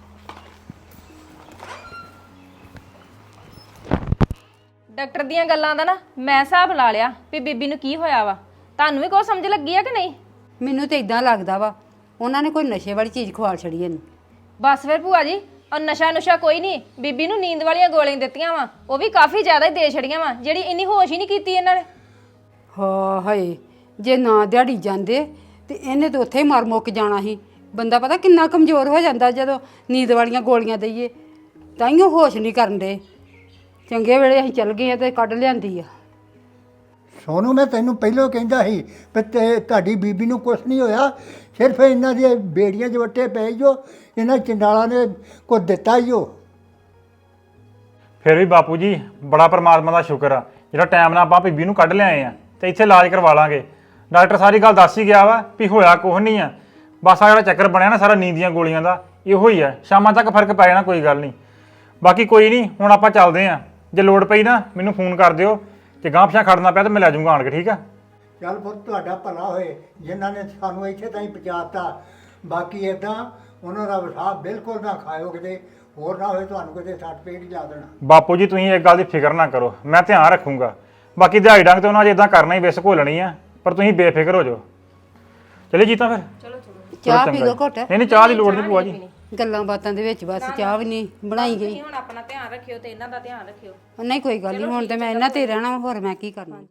Speaker 3: ਡਾਕਟਰ ਦੀਆਂ ਗੱਲਾਂ ਦਾ ਨਾ ਮੈਂ ਹਿਸਾਬ ਲਾ ਲਿਆ ਵੀ ਬੀਬੀ ਨੂੰ ਕੀ ਹੋਇਆ ਵਾ। ਤੁਹਾਨੂੰ ਵੀ ਕੁਝ ਸਮਝ ਲੱਗੀ ਆ ਕਿ ਨਹੀਂ?
Speaker 2: ਮੈਨੂੰ ਤੇ ਇਦਾਂ ਲੱਗਦਾ ਵਾ ਉਹਨਾਂ ਨੇ ਕੋਈ ਨਸ਼ੇ ਵਾਲੀ ਚੀਜ਼ ਖਵਾ ਛੜੀ ਇਹਨੂੰ।
Speaker 3: ਬਸ ਫਿਰ ਭੂਆ ਜੀ, ਔਰ ਨਸ਼ਾ ਨੁਸ਼ਾ ਕੋਈ ਨਹੀਂ, ਬੀਬੀ ਨੂੰ ਨੀਂਦ ਵਾਲੀਆਂ ਗੋਲੀਆਂ ਦਿੱਤੀਆਂ ਵਾ, ਉਹ ਵੀ ਕਾਫੀ ਜ਼ਿਆਦਾ ਹੀ ਦੇ ਛੜੀਆਂ ਵਾ, ਜਿਹੜੀ ਇੰਨੀ ਹੋਸ਼ ਹੀ ਨਹੀਂ ਕੀਤੀ ਇਹਨਾਂ ਨੇ।
Speaker 2: ਹਾਂ ਹਾਏ, ਜੇ ਨਾ ਦਿਹਾੜੀ ਜਾਂਦੇ ਤੇ ਇਹਨੇ ਤਾਂ ਉੱਥੇ ਹੀ ਮਰ ਮੁੱਕ ਜਾਣਾ ਸੀ। ਬੰਦਾ ਪਤਾ ਕਿੰਨਾ ਕਮਜ਼ੋਰ ਹੋ ਜਾਂਦਾ ਜਦੋਂ ਨੀਂਦ ਵਾਲੀਆਂ ਗੋਲੀਆਂ ਦਈਏ, ਤਾਈਓ ਹੋਸ਼ ਨਹੀਂ ਕਰਨ ਦੇ। ਚੰਗੇ ਵੇਲੇ ਅਸੀਂ ਚੱਲ ਗਏ ਆ ਤੇ ਕੱਢ ਲਿਆਂਦੀ ਆ।
Speaker 5: ਸੋਨੂੰ ਮੈਂ ਤੈਨੂੰ ਪਹਿਲਾਂ ਕਹਿੰਦਾ ਸੀ ਵੀ ਤੇ ਤੁਹਾਡੀ ਬੀਬੀ ਨੂੰ ਕੁਛ ਨਹੀਂ ਹੋਇਆ, ਸਿਰਫ ਇਹਨਾਂ ਦੀਆਂ ਬੇੜੀਆਂ 'ਚ ਵੱਟੇ ਪਏ ਜੋ ਇਹਨਾਂ ਚੰਡਾਲਾਂ ਨੇ ਕੁਝ ਦਿੱਤਾ ਹੀ ਉਹ।
Speaker 1: ਫਿਰ ਵੀ ਬਾਪੂ ਜੀ ਬੜਾ ਪਰਮਾਤਮਾ ਦਾ ਸ਼ੁਕਰ ਆ ਜਿਹੜਾ ਟਾਈਮ ਨਾਲ ਆਪਾਂ ਬੀਬੀ ਨੂੰ ਕੱਢ ਲਿਆਏ ਆ ਤੇ ਇੱਥੇ ਇਲਾਜ ਕਰਵਾ ਲਾਂਗੇ। ਡਾਕਟਰ ਸਾਰੀ ਗੱਲ ਦੱਸ ਹੀ ਗਿਆ ਵਾ ਵੀ ਹੋਇਆ ਕੁਛ ਨਹੀਂ ਆ, ਬਸ ਆ ਜਿਹੜਾ ਚੱਕਰ ਬਣਿਆ ਨਾ ਸਾਰਾ ਨੀਂਦ ਦੀਆਂ ਗੋਲੀਆਂ ਦਾ ਇਹੋ ਹੀ ਆ। ਸ਼ਾਮਾਂ ਤੱਕ ਫਰਕ ਪੈ ਜਾਣਾ, ਕੋਈ ਗੱਲ ਨਹੀਂ। ਬਾਕੀ ਕੋਈ ਨਹੀਂ, ਹੁਣ ਆਪਾਂ ਚੱਲਦੇ ਆ। ਜੇ ਲੋੜ ਪਈ ਨਾ ਮੈਨੂੰ ਫੋਨ ਕਰ ਦਿਓ, ਤੇ ਗਾਂਹ ਪਿਛਾਂ ਖੜਨਾ ਪਿਆ ਤਾਂ ਮੈਂ ਲੈ ਜਾਊਂਗਾ ਆਣ ਕੇ, ਠੀਕ ਆ?
Speaker 5: ਚੱਲ ਪੁੱਤ ਤੁਹਾਡਾ ਭਲਾ ਹੋਏ ਜਿਨ੍ਹਾਂ ਨੇ ਸਾਨੂੰ ਇੱਥੇ ਤਾਈਂ ਪਹੁੰਚਾਤਾ। ਬਾਕੀ ਇਦਾਂ ਉਹਨਾਂ ਦਾ ਵਿਸ਼ਾਸ ਬਿਲਕੁਲ ਨਾ ਖਾਇਓ, ਕਿਤੇ ਹੋਰ ਨਾ ਹੋਏ ਤੁਹਾਨੂੰ ਕਿਤੇ ਸੱਟ ਪੇਟ ਹੀ ਲਾ ਦੇਣਾ।
Speaker 1: ਬਾਪੂ ਜੀ ਤੁਸੀਂ ਇੱਕ ਗੱਲ ਦੀ ਫਿਕਰ ਨਾ ਕਰੋ, ਮੈਂ ਧਿਆਨ ਰੱਖੂੰਗਾ। ਬਾਕੀ ਦਿਹਾੜੀ ਡੰਗ ਤੇ ਉਹਨਾਂ ਜੇ ਇਦਾਂ ਕਰਨਾ ਹੀ ਵਿਸ ਘੋਲਣੀ ਆ, ਪਰ ਤੁਸੀਂ ਬੇਫਿਕਰ ਹੋ ਜਾਓ। ਚਲੇ ਜੀਤਾ ਫਿਰ
Speaker 3: ਚਲੋ ਚਲੋ,
Speaker 2: ਚਾਹ ਪੀ ਲਓ ਘੁੱਟ।
Speaker 1: ਨਹੀਂ ਨਹੀਂ ਚਾਹ ਦੀ ਲੋੜ ਨਹੀਂ ਭੂਆ ਜੀ।
Speaker 2: ਗੱਲਾਂ ਬਾਤਾਂ ਦੇ ਵਿੱਚ ਬਸ ਚਾਹ ਵੀ ਨਹੀਂ ਬਣਾਈ ਗਈ।
Speaker 3: ਹੁਣ ਆਪਣਾ ਧਿਆਨ ਰੱਖਿਓ ਤੇ ਇਹਨਾਂ ਦਾ ਧਿਆਨ ਰੱਖਿਓ।
Speaker 2: ਨਹੀਂ ਕੋਈ ਗੱਲ ਨਹੀਂ, ਹੁਣ ਤੇ ਮੈਂ ਇਹਨਾਂ ਤੇ ਰਹਿਣਾ, ਹੋਰ ਮੈਂ ਕੀ ਕਰਨਾ।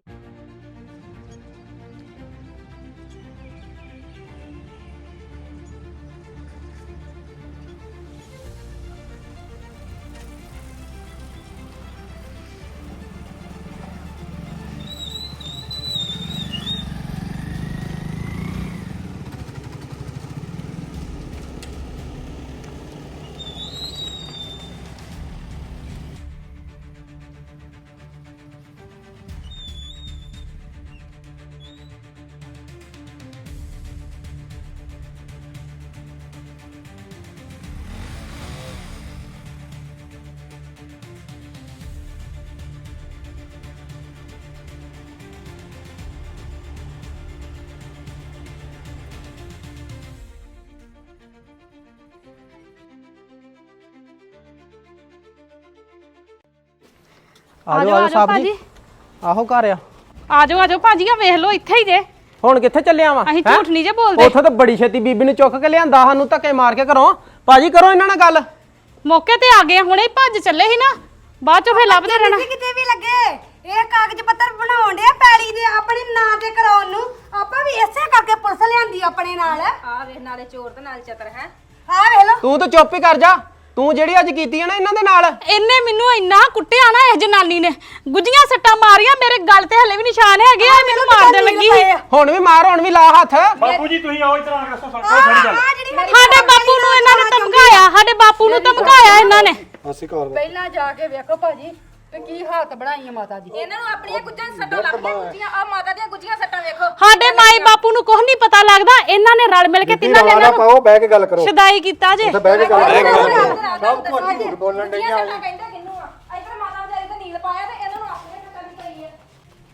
Speaker 7: ਆਜੋ ਆਜੋ ਸਾਹਿਬ ਜੀ। ਆਹੋ ਘਰ ਆ।
Speaker 8: ਆਜੋ ਆਜੋ ਭਾਜੀ, ਆ ਵੇਖ ਲਓ ਇੱਥੇ ਹੀ ਜੇ।
Speaker 7: ਹੁਣ ਕਿੱਥੇ ਚੱਲਿਆ ਵਾ?
Speaker 8: ਅਸੀਂ ਝੂਠ ਨਹੀਂ ਜੇ ਬੋਲਦੇ।
Speaker 7: ਉੱਥੇ ਤਾਂ ਬੜੀ ਛੇਤੀ ਬੀਬੀ ਨੂੰ ਚੁੱਕ ਕੇ ਲਿਆਂਦਾ, ਸਾਨੂੰ ਧੱਕੇ ਮਾਰ ਕੇ ਘਰੋਂ। ਭਾਜੀ ਕਰੋ ਇਹਨਾਂ ਨਾਲ ਗੱਲ।
Speaker 8: ਮੌਕੇ ਤੇ ਆ ਗਏ, ਹੁਣੇ ਹੀ ਭੱਜ ਚੱਲੇ ਸੀ ਨਾ, ਬਾਅਦ ਚੋਂ ਫੇਰ ਲੱਭਦੇ ਰਹਿਣਾ।
Speaker 9: ਕਿਤੇ ਵੀ ਲੱਗੇ, ਇਹ ਕਾਗਜ਼ ਪੱਤਰ ਬਣਾਉਣ ਦੇ ਪੈਲੀ ਦੇ ਆਪਣੇ ਨਾਂ ਤੇ ਕਰਾਉਣ ਨੂੰ। ਆਪਾਂ ਵੀ ਇਸੇ ਕਰਕੇ ਪੁਲਿਸ ਲਿਆਂਦੀ ਆਪਣੇ ਨਾਲ।
Speaker 3: ਆ ਵੇਖ, ਨਾਲੇ ਚੋਰ ਤੇ ਨਾਲ ਚਤਰ ਹੈ।
Speaker 9: ਆ ਵੇਖ ਲੋ।
Speaker 7: ਤੂੰ ਤਾਂ ਚੁੱਪ ਹੀ ਕਰ ਜਾ, ਤੂੰ ਜਿਹੜੀ ਅੱਜ ਕੀਤੀ ਹੈ ਨਾ ਇਹਨਾਂ ਦੇ ਨਾਲ।
Speaker 8: ਇਹਨੇ ਮੈਨੂੰ ਇੰਨਾ ਕੁੱਟਿਆ ਨਾ, ਇਸ ਜਨਾਨੀ ਨੇ ਗੁੱਜੀਆਂ ਸੱਟਾਂ ਮਾਰੀਆਂ, ਮੇਰੇ ਗਲ ਤੇ ਹਲੇ ਵੀ ਨਿਸ਼ਾਨ ਹੈਗੇ ਆ, ਮੈਨੂੰ ਮਾਰਦੇ ਲੱਗੀ ਸੀ।
Speaker 7: ਹੁਣ ਵੀ ਮਾਰ, ਹੁਣ ਵੀ ਲਾ ਹੱਥ।
Speaker 1: ਬਾਪੂ ਜੀ ਤੁਸੀਂ ਆਓ ਇੱਧਰ ਆ ਕੇ ਦੱਸੋ ਸਾਰੀ ਗੱਲ।
Speaker 8: ਸਾਡੇ ਬਾਪੂ ਨੂੰ ਇਹਨਾਂ ਨੇ ਧਮਕਾਇਆ, ਸਾਡੇ ਬਾਪੂ ਨੂੰ ਧਮਕਾਇਆ ਇਹਨਾਂ ਨੇ।
Speaker 2: ਪਹਿਲਾਂ ਜਾ ਕੇ ਵੇਖੋ ਭਾਜੀ, ਤੇ ਕੀ ਹਾਲਤ ਬਣਾਈ ਆ ਮਾਤਾ ਦੀ।
Speaker 3: ਇਹਨਾਂ ਨੂੰ ਆਪਣੀਆਂ ਗੁੱਜਾਂ ਸੱਟਾਂ ਲੱਗਦੀਆਂ ਗੁੱਜੀਆਂ ਆ ਮਾਤਾ ਦੀਆਂ ਗੁੱਜੀਆਂ ਸੱਟਾਂ ਵੇਖੋ।
Speaker 8: ਸਾਡੇ ਮਾਈ ਬਾਪੂ ਨੂੰ ਕੁਝ ਨਹੀਂ ਪਤਾ ਲੱਗਦਾ, ਇਹਨਾਂ ਨੇ ਰਲ ਮਿਲ ਕੇ ਤਿੰਨਾਂ ਨੇ ਇਹਨਾਂ
Speaker 10: ਪਾਓ ਬਹਿ ਕੇ ਗੱਲ ਕਰੋ,
Speaker 8: ਨੂੰ ਸ਼ਦਾਈ ਕੀਤਾ ਜੇ।
Speaker 10: ਉੱਥੇ ਬਹਿ ਕੇ ਗੱਲ ਕਰੋ।
Speaker 5: ਸਭ ਕੁਝ ਝੂਠ ਬੋਲਣ ਡਈਆਂ
Speaker 3: ਸੱਟਾਂ ਕਹਿੰਦੇ ਕਿੰਨੂੰ ਆ ਇੱਧਰ ਮਾਤਾ ਵਿਚਾਰੀ ਤੇ ਨੀਲ ਪਾਇਆ ਤੇ ਇਹਨਾਂ ਨੂੰ ਆਪਣੀਆਂ ਸੱਟਾਂ ਦੀ ਪਈ ਆ।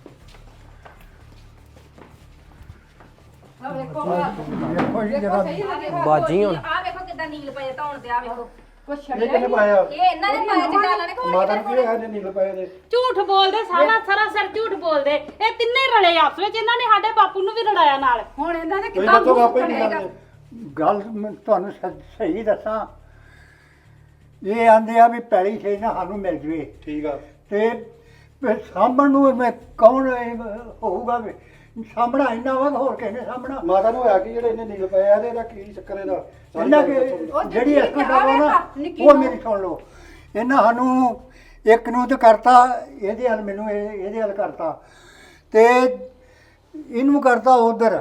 Speaker 2: ਆ ਵੇਖੋ
Speaker 5: ਵੇਖੋ ਜੀ ਜਰਾ
Speaker 7: ਬਾਜੀ ਹੁਣ
Speaker 3: ਆ ਵੇਖੋ ਕਿੱਦਾਂ ਨੀਲ ਪਏ ਧੌਣ ਤੇ ਆ ਵੇਖੋ।
Speaker 2: ਕੁਛ
Speaker 10: ਇਹ
Speaker 2: ਛੱਡਿਆ
Speaker 10: ਕਿਹਨੇ ਪਾਇਆ?
Speaker 3: ਇਹ ਇਹਨਾਂ ਨੇ ਪਾਇਆ ਚੰਡਾਲਾਂ ਨੇ ਕੋਈ
Speaker 10: ਮਾਤਾ ਨੂੰ ਕੀ ਹੋਇਆ ਜੇ ਨੀਲ ਪਏ ਦੇ?
Speaker 8: ਝੂਠ ਬੋਲਦੇ, ਸਾਰਾ ਸਾਰਾ ਸਿਰ ਝੂਠ ਬੋਲਦੇ। ਇਹ ਤਿੰਨੇ ਰਲੇ ਆਪਸ ਵਿੱਚ, ਇਹਨਾਂ ਨੇ ਸਾਡੇ ਬਾਪੂ ਨੂੰ ਵੀ ਲੜਾਇਆ ਨਾਲ।
Speaker 2: ਹੁਣ ਇਹਨਾਂ ਨੇ
Speaker 10: ਤੁਸੀਂ
Speaker 2: ਕਿੱਦਾਂ
Speaker 10: ਦੱਸੋ
Speaker 2: ਮੂੰਹ
Speaker 10: ਆਪੇ ਕੀ
Speaker 2: ਬਣੇਗਾ?
Speaker 10: ਕਰਦੇ?
Speaker 5: ਗੱਲ ਮੈਂ ਤੁਹਾਨੂੰ ਸ- ਸਹੀ ਦੱਸਾਂ, ਇਹ ਆਂਦੇ ਆ ਵੀ ਪੈਲੀ ਛੇ ਨਾ ਸਾਨੂੰ ਮਿਲ ਜਵੇ
Speaker 10: ਠੀਕ ਆ,
Speaker 5: ਤੇ ਫਿਰ ਸਾਂਭਣ ਨੂੰ ਮੈਂ ਕੌਣ ਇਹ ਹੋਊਗਾ ਵੀ ਸਾਂਭਣਾ ਇੰਨਾ ਵਾ ਹੋਰ ਕਿਸੇ ਨੇ ਸਾਂਭਣਾ।
Speaker 10: ਮਾਤਾ ਨੂੰ ਹੋਇਆ ਕਿ ਜਿਹੜੇ ਇਹਨੇ ਨੀਲ ਪਏ ਆ ਤੇ ਇਹਦਾ ਕੀ ਚੱਕਰ ਇਹਦਾ?
Speaker 5: ਇਹਨਾਂ ਕਿ ਜਿਹੜੀ ਇਸ ਦਾ ਵਾ ਨਾ ਉਹ ਮੇਰੀ ਸੁਣ ਲਓ। ਇਹਨਾਂ ਸਾਨੂੰ ਇੱਕ ਨੂੰ ਤੇ ਕਰਤਾ, ਇਹਦੇ ਹੱਲ ਮੈਨੂੰ ਇਹ- ਇਹਦੇ ਹੱਲ ਕਰਤਾ ਤੇ ਇਹਨੂੰ ਕਰਤਾ ਉਧਰ।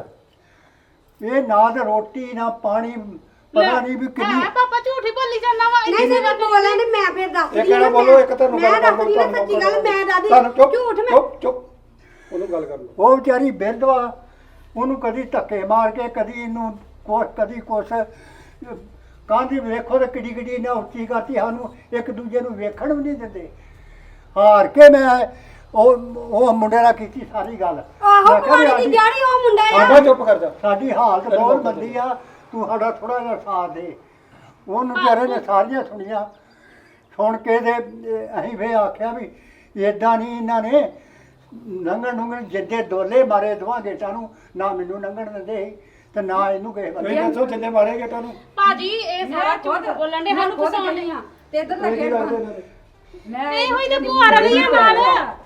Speaker 5: ਇਹ ਨਾ ਤੇ ਰੋਟੀ ਨਾ ਪਾਣੀ, ਪਤਾ ਨਹੀਂ ਵੀ ਕਿੰਨੀ
Speaker 8: ਹੈ ਪਾਪਾ ਝੂਠ ਹੀ ਬੋਲੀ ਜਾਂਦਾ ਵਾ।
Speaker 9: ਨਹੀਂ ਸਰ ਬੋਲਾਂ ਤੇ ਮੈਂ ਫਿਰ ਦੱਸ
Speaker 10: ਇੱਕ ਨਾ ਬੋਲੋ, ਇੱਕ ਤੁਹਾਨੂੰ
Speaker 9: ਮੈਂ
Speaker 10: ਗੱਲ ਕਰ
Speaker 9: ਦੱਸਦੀ ਨਾ ਸੱਚੀ ਗੱਲ, ਮੈਂ ਦੱਸਦੀ
Speaker 10: ਤੁਹਾਨੂੰ ਚੁੱਪ
Speaker 9: ਝੂਠ ਮੈਂ
Speaker 10: ਚੁੱਪ ਚੁੱਪ ਉਹਨੂੰ ਗੱਲ ਕਰ ਲਓ।
Speaker 5: ਉਹ ਵਿਚਾਰੀ ਬਿਰਧਵਾ, ਉਹਨੂੰ ਕਦੀ ਧੱਕੇ ਮਾਰ ਕੇ ਕਦੀ ਇਹਨੂੰ ਕੁਛ ਕਦੀ ਕੁਛ ਕਾਂਦੀ ਵੇਖੋ ਤੇ ਕਿੱਡੀ ਕਿੱਡੀ ਇਹਨਾਂ ਉੱਚੀ ਕਰਤੀ, ਸਾਨੂੰ ਇੱਕ ਦੂਜੇ ਨੂੰ ਵੇਖਣ ਵੀ ਨਹੀਂ ਦਿੰਦੇ। ਹਾਰ ਕੇ ਮੈਂ ਉਹ ਉਹ ਮੁੰਡੇ ਨਾਲ ਕੀਤੀ ਸਾਰੀ ਗੱਲ।
Speaker 9: ਆਹੋ
Speaker 5: ਮੈਂ ਕਿਹਾ ਵੀ
Speaker 9: ਪਾਣੀ ਦੀ
Speaker 5: ਸਾਡੀ-
Speaker 9: ਜਾੜੀ ਉਹ ਮੁੰਡਾ ਆ।
Speaker 10: ਸਾਡਾ ਚੁੱਪ ਕਰ ਜਾ।
Speaker 5: ਸਾਡੀ ਹਾਲਤ ਬਹੁਤ ਮੰਦੀ ਆ, ਤੂੰ ਸਾਡਾ ਥੋੜਾ ਜਿਹਾ ਸਾਥ ਦੇ। ਉਹਨੂੰ ਵਿਚਾਰੇ ਨੇ ਸਾਰੀਆਂ ਸੁਣੀਆਂ, ਸੁਣ ਕੇ ਤੇ ਅਹ, ਅਸੀਂ ਫੇ ਆਖਿਆ ਵੀ ਇਦਾਂ ਨਹੀਂ, ਇਹਨਾਂ ਨੇ ਲੰਘਣ ਲੰਘਣ ਜਿੱਦੇ ਦੋਲੇ ਮਾਰੇ ਦੋਵਾਂ ਗੇਟਾਂ ਨੂੰ, ਨਾ ਮੈਨੂੰ ਲੰਘਣ ਦਿੰਦੇ ਸੀ ਤੇ ਨਾ ਇਹਨੂੰ ਕਿਸੇ ਬੰਦੇ
Speaker 10: ਤੁਸੀਂ ਦੱਸੋ ਜਿੰਨੇ ਮਾਰੇ ਗੇਟਾਂ ਨੂੰ
Speaker 8: ਭਾਜੀ ਇਹ ਸਾਰਾ ਝੂਠ ਬੋਲਣ ਦੇ, ਸਾਨੂੰ ਫਸਾਉਣ ਦੇ।
Speaker 2: ਤੇ ਇਧਰ
Speaker 10: ਇਹ ਕੀ ਲੱਗਦੇ ਇਹਨਾਂ ਦੇ?
Speaker 2: ਮੈਂ
Speaker 8: ਇਹੋ ਹੀ ਤੇ ਭੂਆ ਰਲੀ ਆ ਨਾਲ।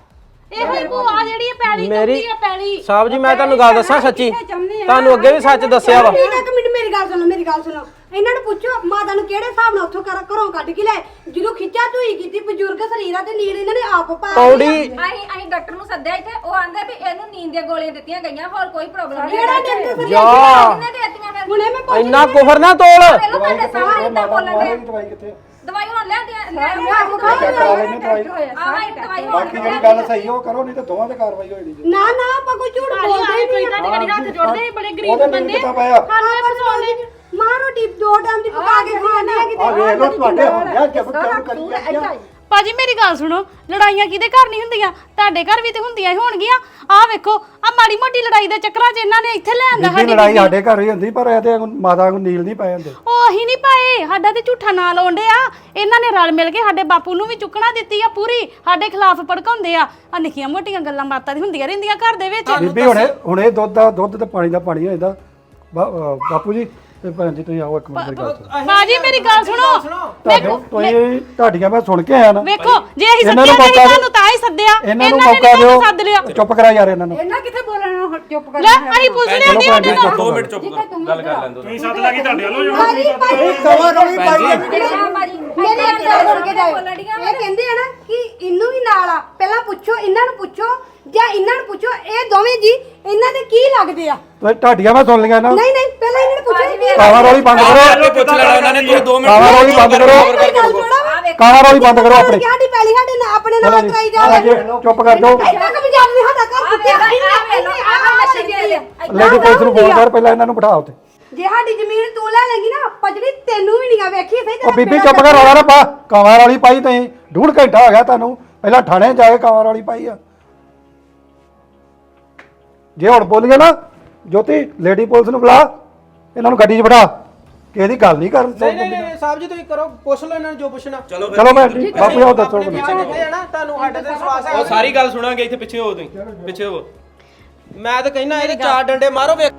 Speaker 8: ਇਹੋ ਹੀ ਭੂਆ ਜਿਹੜੀ ਇਹ ਪੈਲੀ
Speaker 7: ਮੇਰੀ
Speaker 8: ਚੁੱਕਦੀ ਆ ਪੈਲੀ।
Speaker 7: ਸਾਹਿਬ ਜੀ ਮੈਂ ਤੁਹਾਨੂੰ ਗੱਲ ਦੱਸਾਂ ਸੱਚੀ, ਤੁਹਾਨੂੰ ਅੱਗੇ ਵੀ ਸੱਚ ਦੱਸਿਆ ਵਾ।
Speaker 9: ਠੀਕ ਹੈ, ਇੱਕ ਮਿੰਟ ਮੇਰੀ ਗੱਲ ਸੁਣੋ, ਮੇਰੀ ਗੱਲ ਸੁਣੋ। ਇਹਨਾਂ ਨੂੰ ਪੁੱਛੋ ਮਾਤਾ ਨੂੰ ਕਿਹੜੇ ਹਿਸਾਬ ਨਾਲ ਉੱਥੋਂ ਘਰ- ਘਰੋਂ ਕੱਢ ਕੇ ਲੈ, ਜਦੋਂ ਖਿੱਚਾ ਧੂਈ ਕੀਤੀ ਬਜ਼ੁਰਗ ਸਰੀਰਾਂ ਤੇ ਨੀਲ ਇਹਨਾਂ ਨੇ ਆਪ ਪਾ
Speaker 7: ਪੌੜੀ
Speaker 3: ਅਸੀਂ ਅਸੀਂ ਡਾਕਟਰ ਨੂੰ ਸੱਦਿਆ ਇੱਥੇ, ਉਹ ਆਂਦੇ ਵੀ ਇਹਨੂੰ ਨੀਂਦ ਦੀਆਂ ਗੋਲੀਆਂ ਦਿੱਤੀਆਂ ਗਈਆਂ, ਹੋਰ ਕੋਈ ਪ੍ਰੋਬਲਮ ਨਹੀਂ।
Speaker 9: ਕਿਹੜਾ ਡਾਕਟਰ
Speaker 7: ਜਾ
Speaker 3: ਕਿਹਨੇ ਦੇਤੀਆਂ ਫਿਰ?
Speaker 9: ਹੁਣੇ ਮੈਂ ਪੁੱਛ
Speaker 7: ਇੰਨਾ ਕੁਫਰ ਨਾ ਤੋਲ।
Speaker 3: ਪਹਿਲਾਂ
Speaker 10: ਦਵਾਈ
Speaker 3: ਤੁਹਾਡੇ
Speaker 10: ਕਿੱਥੇ?
Speaker 3: ਸਾਹ
Speaker 10: ਇਹ
Speaker 3: ਇੰਨਾ
Speaker 10: ਮਾਤਾ
Speaker 3: ਬੋਲਣ
Speaker 10: ਮਾਰੇ
Speaker 3: ਦੇ।
Speaker 10: ਦੀ ਦਵਾਈ ਕਿੱਥੇ?
Speaker 3: ਦਵਾਈ ਹੁਣ ਲੈਂਦੀਆਂ ਲੈ
Speaker 10: ਚੈੱਕ ਕਰਾ ਲੈਣੇ ਦਵਾਈ।
Speaker 3: ਆਵਾਂ ਦਵਾਈ ਹੁਣ
Speaker 10: ਬਾਕੀ ਜਿਹੜੀ ਗੱਲ ਸਹੀ ਉਹ ਕਰੋ, ਨਹੀਂ ਤਾਂ ਦੋਵਾਂ ਤੇ ਕਾਰਵਾਈ ਹੋਣੀ ਜੀ।
Speaker 9: ਨਾ ਨਾ ਆਪਾਂ ਕੋਈ ਝੂਠ
Speaker 8: ਭਾਜੀ
Speaker 9: ਬੋਲਦੇ
Speaker 8: ਆਏ ਕੋਈ
Speaker 9: ਨਹੀਂ।
Speaker 8: ਤੁਹਾਡੇ ਘੜੀ ਹੱਥ ਜੋੜਦੇ ਸੀ, ਬੜੇ ਗਰੀਬ
Speaker 10: ਉਹਦੇ ਨੀਲ
Speaker 8: ਬੰਦੇ।
Speaker 10: ਕਿੱਥੋਂ ਪਾਇਆ?
Speaker 8: ਸਾਨੂੰ ਇਹ ਫਸਾਉਣ ਦੇ।
Speaker 9: ਮਾਂ ਰੋਟੀ ਦੋ ਟਾਈਮ ਦੀ ਪਕਾ ਕੇ ਖਾਣੇ ਆ ਕਿਤੇ।
Speaker 5: ਆ ਵੇਖ ਲਓ ਤੁਹਾਡੇ ਹੁੰਦਿਆ ਜ਼ਬਰਦਸਤ ਕਰੀ ਜਾਂਦੀਆਂ।
Speaker 8: ਭਾਜੀ ਮੇਰੀ ਗੱਲ ਸੁਣੋ, ਲੜਾਈਆਂ ਕਿਹਦੇ ਘਰ ਨਹੀਂ ਹੁੰਦੀਆਂ? ਤੁਹਾਡੇ ਘਰ ਵੀ ਤੇ ਹੁੰਦੀਆਂ ਹੀ ਹੋਣਗੀਆਂ। ਆਹ ਵੇਖੋ ਆ ਮਾੜੀ ਮੋਟੀ ਲੜਾਈ ਦੇ ਚੱਕਰਾਂ 'ਚ ਇਹਨਾਂ ਨੇ ਇੱਥੇ ਲੈ ਆਂਦਾ
Speaker 10: ਬੀਬੀ ਲੜਾਈ ਸਾਡੇ ਘਰ ਹੀ ਹੁੰਦੀ, ਪਰ ਇਹਦੇ ਮਾਤਾ ਨੂੰ ਨੀਲ ਨਹੀਂ ਪਏ ਹੁੰਦੇ।
Speaker 8: ਉਹ ਅਸੀਂ ਨਹੀਂ ਪਾਏ, ਸਾਡਾ ਤੇ ਝੂਠਾ ਨਾਂ ਲਾਉਂਦੇ ਆ। ਇਹਨਾਂ ਨੇ ਰਲ ਮਿਲ ਕੇ ਸਾਡੇ ਬਾਪੂ ਨੂੰ ਵੀ ਚੁੱਕਣਾ ਦਿੱਤੀ ਆ ਪੂਰੀ, ਸਾਡੇ ਖਿਲਾਫ ਭੜਕਾਉਂਦੇ ਆ। ਆ ਨਿੱਕੀਆਂ ਮੋਟੀਆਂ ਗੱਲਾਂ ਬਾਤਾਂ ਦੀ ਹੁੰਦੀਆਂ ਰਹਿੰਦੀਆਂ ਘਰ ਦੇ ਵਿੱਚ।
Speaker 10: ਬੀਬੀ ਹੁਣੇ ਹੁਣੇ ਦੁੱਧ ਦਾ ਦੁੱਧ ਤੇ ਪਾਣੀ ਦਾ ਪਾਣੀ ਹੋ ਜਾਂਦਾ। ਬਾ- ਅਹ ਬਾਪੂ ਜੀ ਤੇ ਭੈਣ ਜੀ ਤੁਸੀਂ ਆਓ ਇੱਕ ਮਿੰਟ ਮੇਰੀ ਗੱਲ ਸੁਣੋ।
Speaker 8: ਭਾਜੀ ਮੇਰੀ ਗੱਲ ਸੁਣੋ,
Speaker 10: ਤੁਹਾਡੇ ਤੁਸੀਂ ਤੁਹਾਡੀਆਂ ਮੈਂ ਸੁਣ ਕੇ ਆਇਆ ਨਾ।
Speaker 8: ਵੇਖੋ ਜੇ ਅਸੀਂ
Speaker 10: ਇਹਨਾਂ
Speaker 8: ਸੱਦਿਆ
Speaker 10: ਨੂੰ
Speaker 8: ਨਹੀਂ
Speaker 10: ਮੌਕਾ
Speaker 8: ਤੁਹਾਨੂੰ ਤਾਂ ਹੀ ਸੱਦਿਆ,
Speaker 10: ਇਹਨਾਂ ਨੂੰ
Speaker 8: ਨੇ
Speaker 10: ਮੌਕਾ
Speaker 8: ਨੀ
Speaker 10: ਦਿਓ,
Speaker 8: ਸੱਦ ਲਿਆ।
Speaker 10: ਚੁੱਪ ਕਰਾ ਯਾਰ ਇਹਨਾਂ ਨੂੰ।
Speaker 2: ਇਹਨਾਂ ਕਿੱਥੇ ਬੋਲਣਾ, ਹੁਣ ਚੁੱਪ ਕਰ
Speaker 8: ਲੈ ਅਸੀਂ ਪੁੱਛ ਲਿਆ ਦੀ ਸਾਡੇ ਨਾਲ।
Speaker 10: ਦੋ ਮਿੰਟ
Speaker 1: ਚੁੱਪ ਗੱਲ ਕਰ ਲੈਂਦੋ ਤੁਸੀਂ ਸੱਤ ਲੱਗੀ ਤੁਹਾਡੇ ਵੱਲੋਂ ਜੋ
Speaker 9: ਭਾਜੀ ਭਾਜੀ
Speaker 5: ਕਵਾ ਰੋਲੀ ਪਾਈ ਜਾਂਦੀ।
Speaker 9: ਮੇਰੀ ਇੱਕ ਗੱਲ ਸੁਣ ਕੇ ਜਾਓ। ਇਹ ਕਹਿੰਦੇ ਆ ਨਾ ਕਿ ਇਹਨੂੰ ਵੀ ਨਾਲ ਆ, ਪਹਿਲਾਂ ਪੁੱਛੋ ਇਹਨਾਂ ਨੂੰ, ਪੁੱਛੋ ਜਾਂ ਇਹਨਾਂ ਨੂੰ ਪੁੱਛੋ, ਇਹ ਦੋਵੇਂ ਜੀ ਇਹਨਾਂ ਦੇ ਕੀ ਲੱਗਦੇ ਆ?
Speaker 10: ਤੁਸੀਂ ਤੁਹਾਡੀਆਂ ਮੈਂ ਸੁਣ ਲਈਆਂ ਨਾ।
Speaker 9: ਨਹੀਂ ਨਹੀਂ ਪਹਿਲਾਂ ਇਹਨਾਂ ਨੂੰ ਪੁੱਛੋ ਇਹ ਕੀ
Speaker 10: ਕਾਵਾ ਰੋਲੀ ਬੰਦ ਕਰੋ।
Speaker 1: ਪੁੱਛ ਲੈਣਾ ਉਹਨਾਂ ਨੇ ਦੋ
Speaker 10: ਕਾਵਾ ਰੋਲੀ ਬੰਦ ਕਰੋ। ਕਾਵਾ ਰੋਲੀ ਬੰਦ ਕਰੋ ਆਪਣੀ।
Speaker 9: ਸਾਡੀ ਪਹਿਲੀ ਸਾਡੇ ਨਾਲ ਆਪਣੇ ਨਾਲ ਕਰਾਈ
Speaker 10: ਆ
Speaker 9: ਜਾ
Speaker 10: ਜੇ ਚੁੱਪ ਕਰ ਜਾਓ।
Speaker 9: ਇੰਨਾ ਕੁ ਵੀ ਜਾਣ ਨਹੀਂ ਸਾਡਾ ਘਰ ਕੁੱਤੇ
Speaker 10: ਲੇਡੀ ਪੁਲਿਸ ਨੂੰ ਫੋਨ ਕਰ, ਪਹਿਲਾਂ ਇਹਨਾਂ ਨੂੰ ਬਿਠਾ ਉੱਤੇ।
Speaker 9: ਜੇ ਸਾਡੀ ਜ਼ਮੀਨ ਤੂੰ ਲੈ ਲੇਗੀ ਨਾ, ਪਜੜੀ ਤੈਨੂੰ ਵੀ ਨਹੀਂ ਵੇਖੀ ਸਹੀ
Speaker 10: ਉਹ ਬੀਬੀ ਚੁੱਪ ਕਰ, ਰੌਲਾ ਨਾ ਪਾ। ਕਾਵਾ ਰੋਲੀ ਪਾਈ ਤੁਸੀਂ, ਡੂਢ ਘੰਟਾ ਹੋ ਗਿਆ ਤੁਹਾਨੂੰ। ਪਹਿਲਾਂ ਥਾਣੇ ਜਾ ਕੇ ਕਾਵਾ ਰੋਲੀ ਪਾਈ ਆ। ਜੇ ਹੁਣ ਬੋਲੀਏ ਨਾ ਜੋਤੀ, ਲੇਡੀ ਪੁਲਿਸ ਨੂੰ ਬੁਲਾ, ਇਹਨਾਂ ਨੂੰ ਗੱਡੀ 'ਚ ਬਿਠਾ ਕਿ ਇਹਦੀ ਗੱਲ ਨਹੀਂ ਕਰਨ।
Speaker 7: ਨਹੀਂ ਨਹੀਂ ਨਹੀਂ ਸਾਹਿਬ ਜੀ ਤੁਸੀਂ ਕਰੋ, ਪੁੱਛ ਲਓ ਇਹਨਾਂ ਨੂੰ ਜੋ ਪੁੱਛਣਾ।
Speaker 10: ਚਲੋ ਭੈਣ ਜੀ, ਬਾਪੂ ਜੀ ਦੱਸੋ
Speaker 7: ਆਪਣੇ ਪਿੱਛੇ ਕਿੱਥੇ ਆ ਨਾ, ਤੁਹਾਨੂੰ ਸਾਡੇ ਤੇ ਵਿਸ਼ਵਾਸ ਹੈ।
Speaker 11: ਉਹ ਸਾਰੀ ਗੱਲ ਸੁਣਾਂਗੇ, ਇੱਥੇ ਪਿੱਛੇ ਹੋ ਤੁਸੀਂ, ਪਿੱਛੇ ਹੋ।
Speaker 7: ਮੈਂ ਤਾਂ ਕਹਿਣਾ ਇਹਦੇ ਚਾਰ ਡੰਡੇ ਮਾਰੋ ਵੇਖ।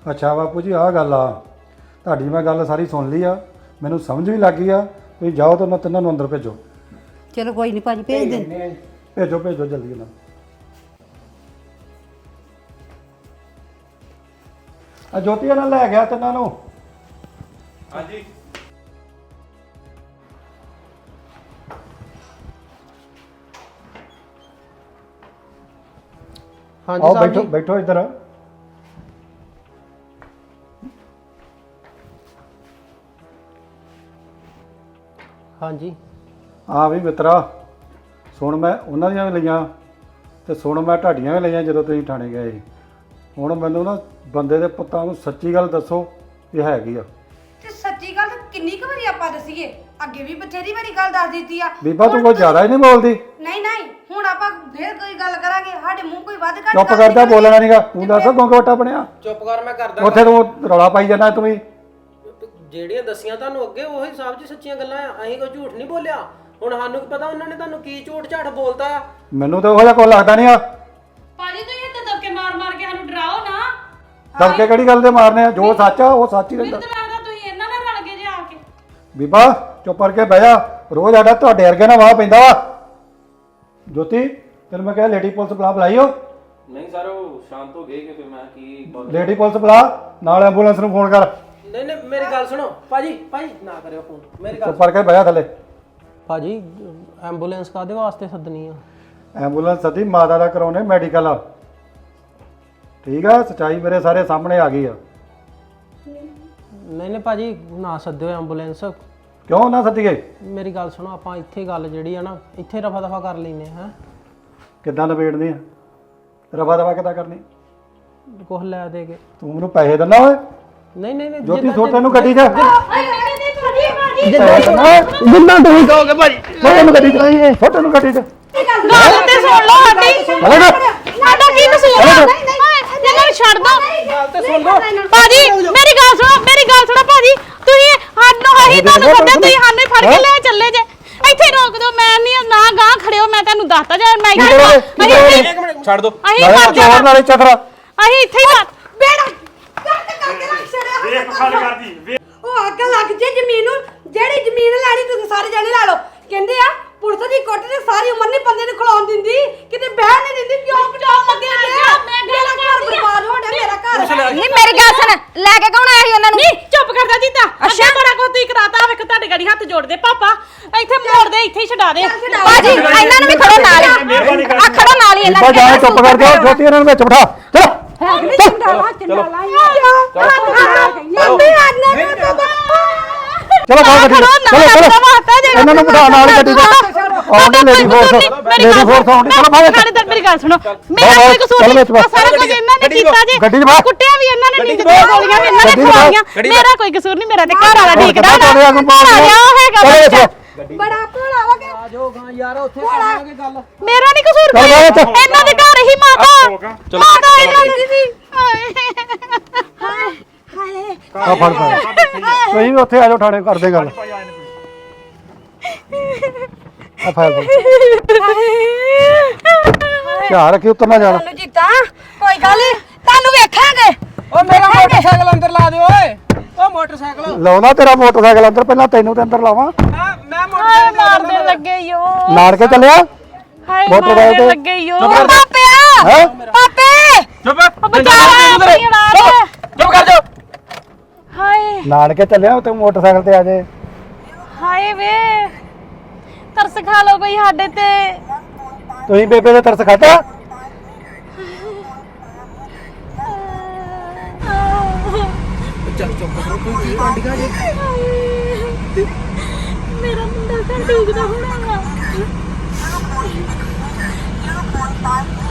Speaker 10: ਅੱਛਾ ਬਾਪੂ ਜੀ ਆਹ ਗੱਲ ਆ ਤੁਹਾਡੀ ਮੈਂ ਗੱਲ ਸਾਰੀ ਸੁਣ ਲਈ ਆ ਮੈਨੂੰ ਸਮਝ ਵੀ ਲੱਗ ਗਈ ਆ ਤੁਸੀਂ ਜਾਓ ਤਾਂ ਉਹਨਾਂ ਤਿੰਨਾਂ ਨੂੰ ਅੰਦਰ ਭੇਜੋ
Speaker 2: ਚਲੋ ਕੋਈ ਨਹੀਂ ਭਾਜੀ ਭੇਜ ਦੇ
Speaker 10: ਭੇਜੋ ਭੇਜੋ ਜਲਦੀ ਇਹਨਾਂ ਨੂੰ ਆ ਜੋਤੀ ਨਾਲ ਲੈ ਗਿਆ ਤਿੰਨਾਂ ਨੂੰ
Speaker 1: ਹਾਂਜੀ
Speaker 7: ਹਾਂਜੀ
Speaker 10: ਆਓ
Speaker 7: ਸਾਹਿਬ
Speaker 10: ਬੈਠੋ
Speaker 7: ਜੀ
Speaker 10: ਬੈਠੋ ਇੱਧਰ
Speaker 7: ਹਾਂਜੀ
Speaker 10: ਹਾਂ ਵੀ ਮਿੱਤਰਾ ਸੁਣ ਮੈਂ ਉਹਨਾਂ ਦੀਆਂ ਵੀ ਲਈਆਂ ਤੇ ਸੁਣ ਮੈਂ ਤੁਹਾਡੀਆਂ ਵੀ ਲਈਆਂ ਜਦੋਂ ਤੁਸੀਂ ਥਾਣੇ ਗਏ ਸੀ ਹੁਣ ਮੈਨੂੰ ਨਾ ਬੰਦੇ ਦੇ ਪੁੱਤਾਂ ਨੂੰ ਸੱਚੀ ਗੱਲ ਦੱਸੋ ਇਹ ਹੈਗੀ ਆ
Speaker 9: ਤੇ ਸੱਚੀ ਗੱਲ ਤਾਂ ਕਿੰਨੀ ਕੁ ਵਾਰੀ ਆਪਾਂ ਦਸੀਏ ਅੱਗੇ ਵੀ ਬਥੇਰੀ ਵਾਰੀ ਗੱਲ ਦੱਸ ਦਿੱਤੀ ਆ
Speaker 10: ਬੀਬਾ ਤੂੰ ਕੋਈ ਜ਼ਿਆਦਾ ਹੀ ਨਹੀਂ ਬੋਲਦੀ
Speaker 9: ਨਹੀਂ ਨਹੀਂ ਹੁਣ ਆਪਾਂ ਫੇਰ ਕੋਈ ਗੱਲ ਕਰਾਂਗੇ ਸਾਡੇ ਮੂੰਹ ਕੋਈ ਵੱਧ ਘੱਟ
Speaker 10: ਚੁੱਪ
Speaker 9: ਗੱਲ
Speaker 10: ਕਰਦਾ
Speaker 9: ਨਿਕਲਦੀ।
Speaker 10: ਬੋਲਣਾ ਨਹੀਂਗਾ ਤੂੰ ਦੱਸ ਗੋਂਗਵਟਾ ਬਣਿਆ
Speaker 7: ਚੁੱਪ ਕਰ ਮੈਂ ਕਰਦਾ
Speaker 10: ਉੱਥੇ ਤੂੰ ਰੌਲਾ ਪਾਈ ਜਾਂਦਾ ਤੂੰ ਵੀ
Speaker 7: ਜਿਹੜੀਆਂ ਦੱਸੀਆਂ ਤੁਹਾਨੂੰ ਅੱਗੇ ਉਹੀ ਸਾਹਿਬ ਜੀ ਸੱਚੀਆਂ ਗੱਲਾਂ ਆ ਅਸੀਂ ਕੋਈ ਝੂਠ ਨਹੀਂ ਬੋਲਿਆ ਹੁਣ ਸਾਨੂੰ ਕੀ ਪਤਾ ਉਹਨਾਂ ਨੇ ਤੁਹਾਨੂੰ ਕੀ ਝੂਠ ਝਾਠ ਬੋਲਤਾ ਆ
Speaker 10: ਮੈਨੂੰ ਤਾਂ ਉਹੋ ਜਿਹਾ ਕੋਈ ਲੱਗਦਾ ਨਹੀਂ ਆ
Speaker 8: ਭਾਜੀ ਤੁਸੀਂ ਇੱਥੇ ਦਬਕੇ ਮਾਰ ਮਾਰ ਕੇ ਸਾਨੂੰ ਡਰਾਓ ਨਾ
Speaker 10: ਦਬਕੇ ਕਿਹੜੀ ਗੱਲ ਦੇ ਮਾਰਨੇ ਆ ਜੋ ਸੱਚ ਆ ਉਹ ਸੱਚ ਹੀ
Speaker 8: ਮੈਨੂੰ
Speaker 10: ਰਹਿੰਦਾ
Speaker 8: ਤਾਂ ਲੱਗਦਾ ਤੁਸੀਂ ਇਹਨਾਂ ਨਾਲ ਰਲ ਗਏ ਜੇ ਆ ਕੇ
Speaker 10: ਬੀਬਾ ਚੁੱਪ ਕਰਕੇ ਬਹਿ ਜਾ ਰੋਜ਼ ਆਡਾ ਤੁਹਾਡੇ ਵਰਗੇ ਨਾਲ ਵਾਹ ਪੈਂਦਾ ਵਾ ਜੋਤੀ ਤੈਨੂੰ ਮੈਂ ਕਿਹਾ ਲੇਡੀ ਪੁਲਿਸ ਬੁਲਾ ਬੁਲਾਈਓ
Speaker 11: ਨਹੀਂ ਸਰ ਉਹ ਸ਼ਾਂਤ ਹੋ ਗਏ ਕਿ ਫਿਰ ਮੈਂ ਕੀ
Speaker 10: ਲੇਡੀ ਪੁਲਿਸ ਬੁਲਾ ਨਾਲ ਐਂਬੂਲੈਂਸ ਨੂੰ ਫੋਨ ਕਰ
Speaker 7: ਨਹੀਂ ਨਹੀਂ ਮੇਰੀ ਗੱਲ ਸੁਣੋ ਭਾਜੀ ਭਾਜੀ ਨਾ ਕਰਿਓ ਫੋਨ ਮੇਰੀ ਗੱਲ
Speaker 10: ਚੁੱਪ ਕਰਕੇ ਬਹਿ ਜਾ ਥੱਲੇ
Speaker 7: ਭਾਜੀ ਐਂਬੂਲੈਂਸ ਕਾਦੇ ਵਾਸਤੇ ਸੱਦਣੀ ਆ
Speaker 10: ਐਂਬੂਲੈਂਸ ਸਦੀ ਮਾਤਾ ਦਾ ਕਰਾਉਣੇ ਮੈਡੀਕਲ ਆ ਠੀਕ ਆ ਸੱਚਾਈ ਮੇਰੇ ਸਾਰੇ ਸਾਹਮਣੇ ਆ ਗਈ ਆ
Speaker 7: ਨਹੀਂ ਨਹੀਂ ਭਾਜੀ ਨਾ ਸੱਦਿਓ ਐਂਬੂਲੈਂਸ
Speaker 10: ਕਿਉਂ ਨਾ ਸੱਦੀਏ
Speaker 7: ਮੇਰੀ ਗੱਲ ਸੁਣੋ ਆਪਾਂ ਇੱਥੇ ਗੱਲ ਜਿਹੜੀ ਆ ਨਾ ਇੱਥੇ ਰਫਾ ਦਫਾ ਕਰ ਲੈਨੇ ਹਾਂ
Speaker 10: ਕਿੱਦਾਂ ਨਿਬੇੜਨੀ ਆ ਰਫਾ ਦਫਾ ਕਿੱਦਾਂ ਕਰਨੀ
Speaker 7: ਕੁਛ ਲੈ ਦੇ ਕੇ
Speaker 10: ਤੂੰ ਮੈਨੂੰ ਪੈਸੇ ਦਿੰਦਾ ਓਏ
Speaker 7: ਨਹੀਂ ਨਹੀਂ ਨਹੀਂ
Speaker 10: ਜੋਤੀ ਸੋ ਤੈਨੂੰ ਗੱਡੀ 'ਚ
Speaker 7: ਜਿੰਨਾ ਤੁਸੀਂ ਕਹੋਗੇ ਭਾਜੀ
Speaker 10: ਸੋ ਤੈਨੂੰ ਗੱਡੀ 'ਚ ਸੋ ਤੈਨੂੰ ਗੱਡੀ 'ਚ
Speaker 8: ਗੱਲ ਤੇ ਸੁਣ ਲਓ ਸਾਡੀ ਸਾਡਾ ਕੀ ਕਸੂਰ ਆ ਇਹਨਾਂ ਨੂੰ ਛੱਡ ਦੋ
Speaker 7: ਗੱਲ ਤੇ ਸੁਣ ਲਓ
Speaker 8: ਭਾਜੀ ਮੇਰੀ ਗੱਲ ਸੁਣੋ ਮੇਰੀ ਗੱਲ ਸੁਣੋ ਭਾਜੀ ਤੁਸੀਂ ਸਾਨੂੰ ਅਸੀਂ ਤੁਹਾਨੂੰ ਸੱਦਿਆ ਤੁਸੀਂ ਸਾਨੂੰ ਹੀ ਫੜ ਕੇ ਲੈ ਚੱਲੇ ਜੇ ਇੱਥੇ ਰੋਕ ਦਿਓ ਮੈਂ ਨਹੀਂ ਨਾ ਗਾਂ ਖੜਿਓ ਮੈਂ ਤੁਹਾਨੂੰ ਦੱਸਤਾ ਜੇ ਮੈਂ ਇੱਥੇ
Speaker 7: ਇੱਕ ਮਿੰਟ ਛੱਡ ਦੋ
Speaker 8: ਅਸੀਂ ਮਰ ਜਾਣਾ
Speaker 10: ਨਾਲੇ ਚਤਰਾ
Speaker 8: ਅਸੀਂ ਇੱਥੇ ਹੀ ਮਰ
Speaker 9: ਬੇੜਾ ਕੱਟ ਕਰਕੇ ਰੱਖ ਛੜਿਆ
Speaker 1: ਵੇਖ ਖਾਲ ਕਰਦੀ ਵੇਖ
Speaker 9: ਉਹ ਅੱਗ ਲੱਗ ਜੇ ਜ਼ਮੀਨ ਨੂੰ ਜਿਹੜੀ ਜ਼ਮੀਨ ਲੈਣੀ ਤੁਸੀਂ ਸਾਰੇ ਜਾਣੇ ਲੈ ਲਓ ਕਹਿੰਦੇ ਆ ਪੁਲਿਸ ਦੀ ਕੋਠੀ ਤੇ ਸਾਰੀ ਉਮਰ ਨਹੀਂ ਬੰਦੇ ਨੂੰ ਖਲਾਉਣ ਦਿੰਦੀ ਕਿਤੇ ਬਹਿ ਨਹੀਂ ਦਿੰਦੀ ਕਿਉਂ ਪਟਾਉਣ ਲੱਗੇ ਨੇ ਮੇਰਾ ਘਰ ਬਰਬਾਦ ਹੋ ਗਿਆ ਮੇਰਾ ਘਰ
Speaker 3: ਨਹੀਂ ਮੇਰੀ ਗੱਲ ਸੁਣ ਲੈ ਕੇ ਕੌਣ ਆਇਆ ਸੀ ਉਹਨਾਂ ਨੂੰ
Speaker 8: ਨਹੀਂ ਚੁੱਪ ਕਰ ਜਾ ਜੀਤਾ ਅੱਛਾ ਬੜਾ ਕੋ ਤੁਸੀਂ ਕਰਾਤਾ ਵੇਖ ਤੁਹਾਡੇ ਗਾੜੀ ਹੱਥ ਜੋੜਦੇ ਪਾਪਾ ਇੱਥੇ ਮੋੜ ਦੇ ਇੱਥੇ ਹੀ ਛਡਾ ਦੇ
Speaker 3: ਬਾਜੀ ਇਹਨਾਂ ਨੂੰ ਵੀ ਖੜੋ ਨਾਲ ਹੀ ਆ ਖੜੋ ਨਾਲ ਹੀ ਇਹਨਾਂ
Speaker 10: ਬੀਬਾ ਜਾ ਚੁੱਪ ਕਰ ਜਾ ਜੋਤੀ ਇਹਨਾਂ ਨੂੰ ਵਿੱਚ ਬਿਠਾ ਚਲੋ ਚਲੋ ਬਾਹਰ ਗੱਡੀ ਚਲੋ ਚਲੋ ਇਹਨਾਂ ਨੂੰ ਬਿਠਾ ਨਾਲ ਗੱਡੀ 'ਚ ਆਉਂਦੇ ਲੇਡੀ ਫੋਰਸ ਲੇਡੀ ਫੋਰਸ ਆਉਂਦੀ ਚਲੋ ਬਾਹਰ
Speaker 8: ਥਾਣੇਦਾਰ ਮੇਰੀ ਗੱਲ ਸੁਣੋ ਮੇਰਾ ਕੋਈ ਕਸੂਰ ਨਹੀਂ ਸਾਰਾ ਕੁਝ ਇਹਨਾਂ ਨੇ ਕੀਤਾ ਜੇ
Speaker 10: ਗੱਡੀ 'ਚ ਬਾਹਰ
Speaker 8: ਕੁੱਟਿਆ ਵੀ ਇਹਨਾਂ ਨੇ ਨਹੀਂ ਦੋ ਗੋਲੀਆਂ ਵੀ ਇਹਨਾਂ ਨੇ ਖਵਾਈਆਂ ਮੇਰਾ ਕੋਈ ਕਸੂਰ ਨਹੀਂ ਮੇਰਾ ਤੇ ਘਰ ਵਾਲਾ ਠੀਕ ਦਾ ਉਹ ਹੈਗਾ
Speaker 9: ਬੜਾ ਭੋਲਾ ਹੋ ਗਿਆ
Speaker 7: ਆ ਜਾਓ ਗਾਂ ਯਾਰ ਉੱਥੇ ਕਰਾਂਗੇ ਗੱਲ
Speaker 8: ਮੇਰਾ ਨਹੀਂ ਕਸੂਰ ਕੋਈ ਇਹਨਾਂ ਦੇ ਘਰ ਹੀ ਮਾਤਾ ਮਾਤਾ ਇਹਨਾਂ ਦੀ ਸੀ ਹਾਏ ਹਾਏ
Speaker 10: ਆ ਫੜ ਫੜ ਤੁਸੀਂ ਵੀ ਉੱਥੇ ਆ ਜਾਓ ਥਾਣੇ ਕਰਦੇ ਗੱਲ ਆ ਫਾਇਲ ਧਿਆਨ ਰੱਖੀ ਉੱਤਰ ਨਾ ਜਾਣਾ
Speaker 9: ਤੁਹਾਨੂੰ ਜੀਤਾ ਕੋਈ ਗੱਲ ਨਹੀਂ ਤੁਹਾਨੂੰ ਵੇਖਾਂਗੇ
Speaker 7: ਓ ਮੇਰਾ ਮੋਟਰਸਾਈਕਲ ਅੰਦਰ ਲਾ ਦਿਓ ਓਏ ਓ ਮੋਟਰਸਾਈਕਲ
Speaker 10: ਲਾਉਣਾ ਤੇਰਾ ਮੋਟਰਸਾਈਕਲ ਅੰਦਰ ਪਹਿਲਾਂ ਤੈਨੂੰ ਤੇ ਅੰਦਰ ਲਾਵਾਂ
Speaker 7: ਮੈਂ ਮੈਂ
Speaker 8: ਹਾਏ
Speaker 7: ਮੋਟਰਸਾਈਕਲ
Speaker 8: ਮਾਰਦੇ ਲੱਗੇ ਯੋ
Speaker 10: ਨਾੜ ਕੇ ਚੱਲਿਆ
Speaker 8: ਹਾਏ
Speaker 10: ਮੋਟਰਸਾਈਕਲ
Speaker 8: ਮਾਰਦੇ
Speaker 10: ਤੇ-
Speaker 8: ਲੱਗੇ ਯੋ
Speaker 9: ਪਾਪਿਆ
Speaker 10: ਹੈ
Speaker 9: ਪਾਪੇ
Speaker 11: ਚੁੱਪ
Speaker 8: ਬਚਾ ਆਪਣੀ ਔਲਾਦ
Speaker 11: ਚੁੱਪ ਕਰ ਜਾ
Speaker 8: ਹਾਏ
Speaker 10: ਨਾੜ ਕੇ ਚੱਲਿਆ ਤੇ ਮੋਟਰਸਾਈਕਲ ਤੇ ਆ ਜੇ
Speaker 8: ਹਾਏ ਵੇ ਤਰਸ ਖਾ ਲੋ ਕੋਈ ਸਾਡੇ ਤੇ
Speaker 10: ਤੁਸੀਂ ਬੇਬੇ ਦੇ ਤਰਸ ਖਾਧਾ
Speaker 7: ਚੱਲ ਚੁੱਪ ਕਰੋ ਕੋਈ ਕੀ ਕਾਂਡੀਆਂ ਜੀ
Speaker 8: ਮੇਰਾ ਮੁੰਡਾ ਤਾਂ ਠੀਕ ਨਾ ਹੋਣਾ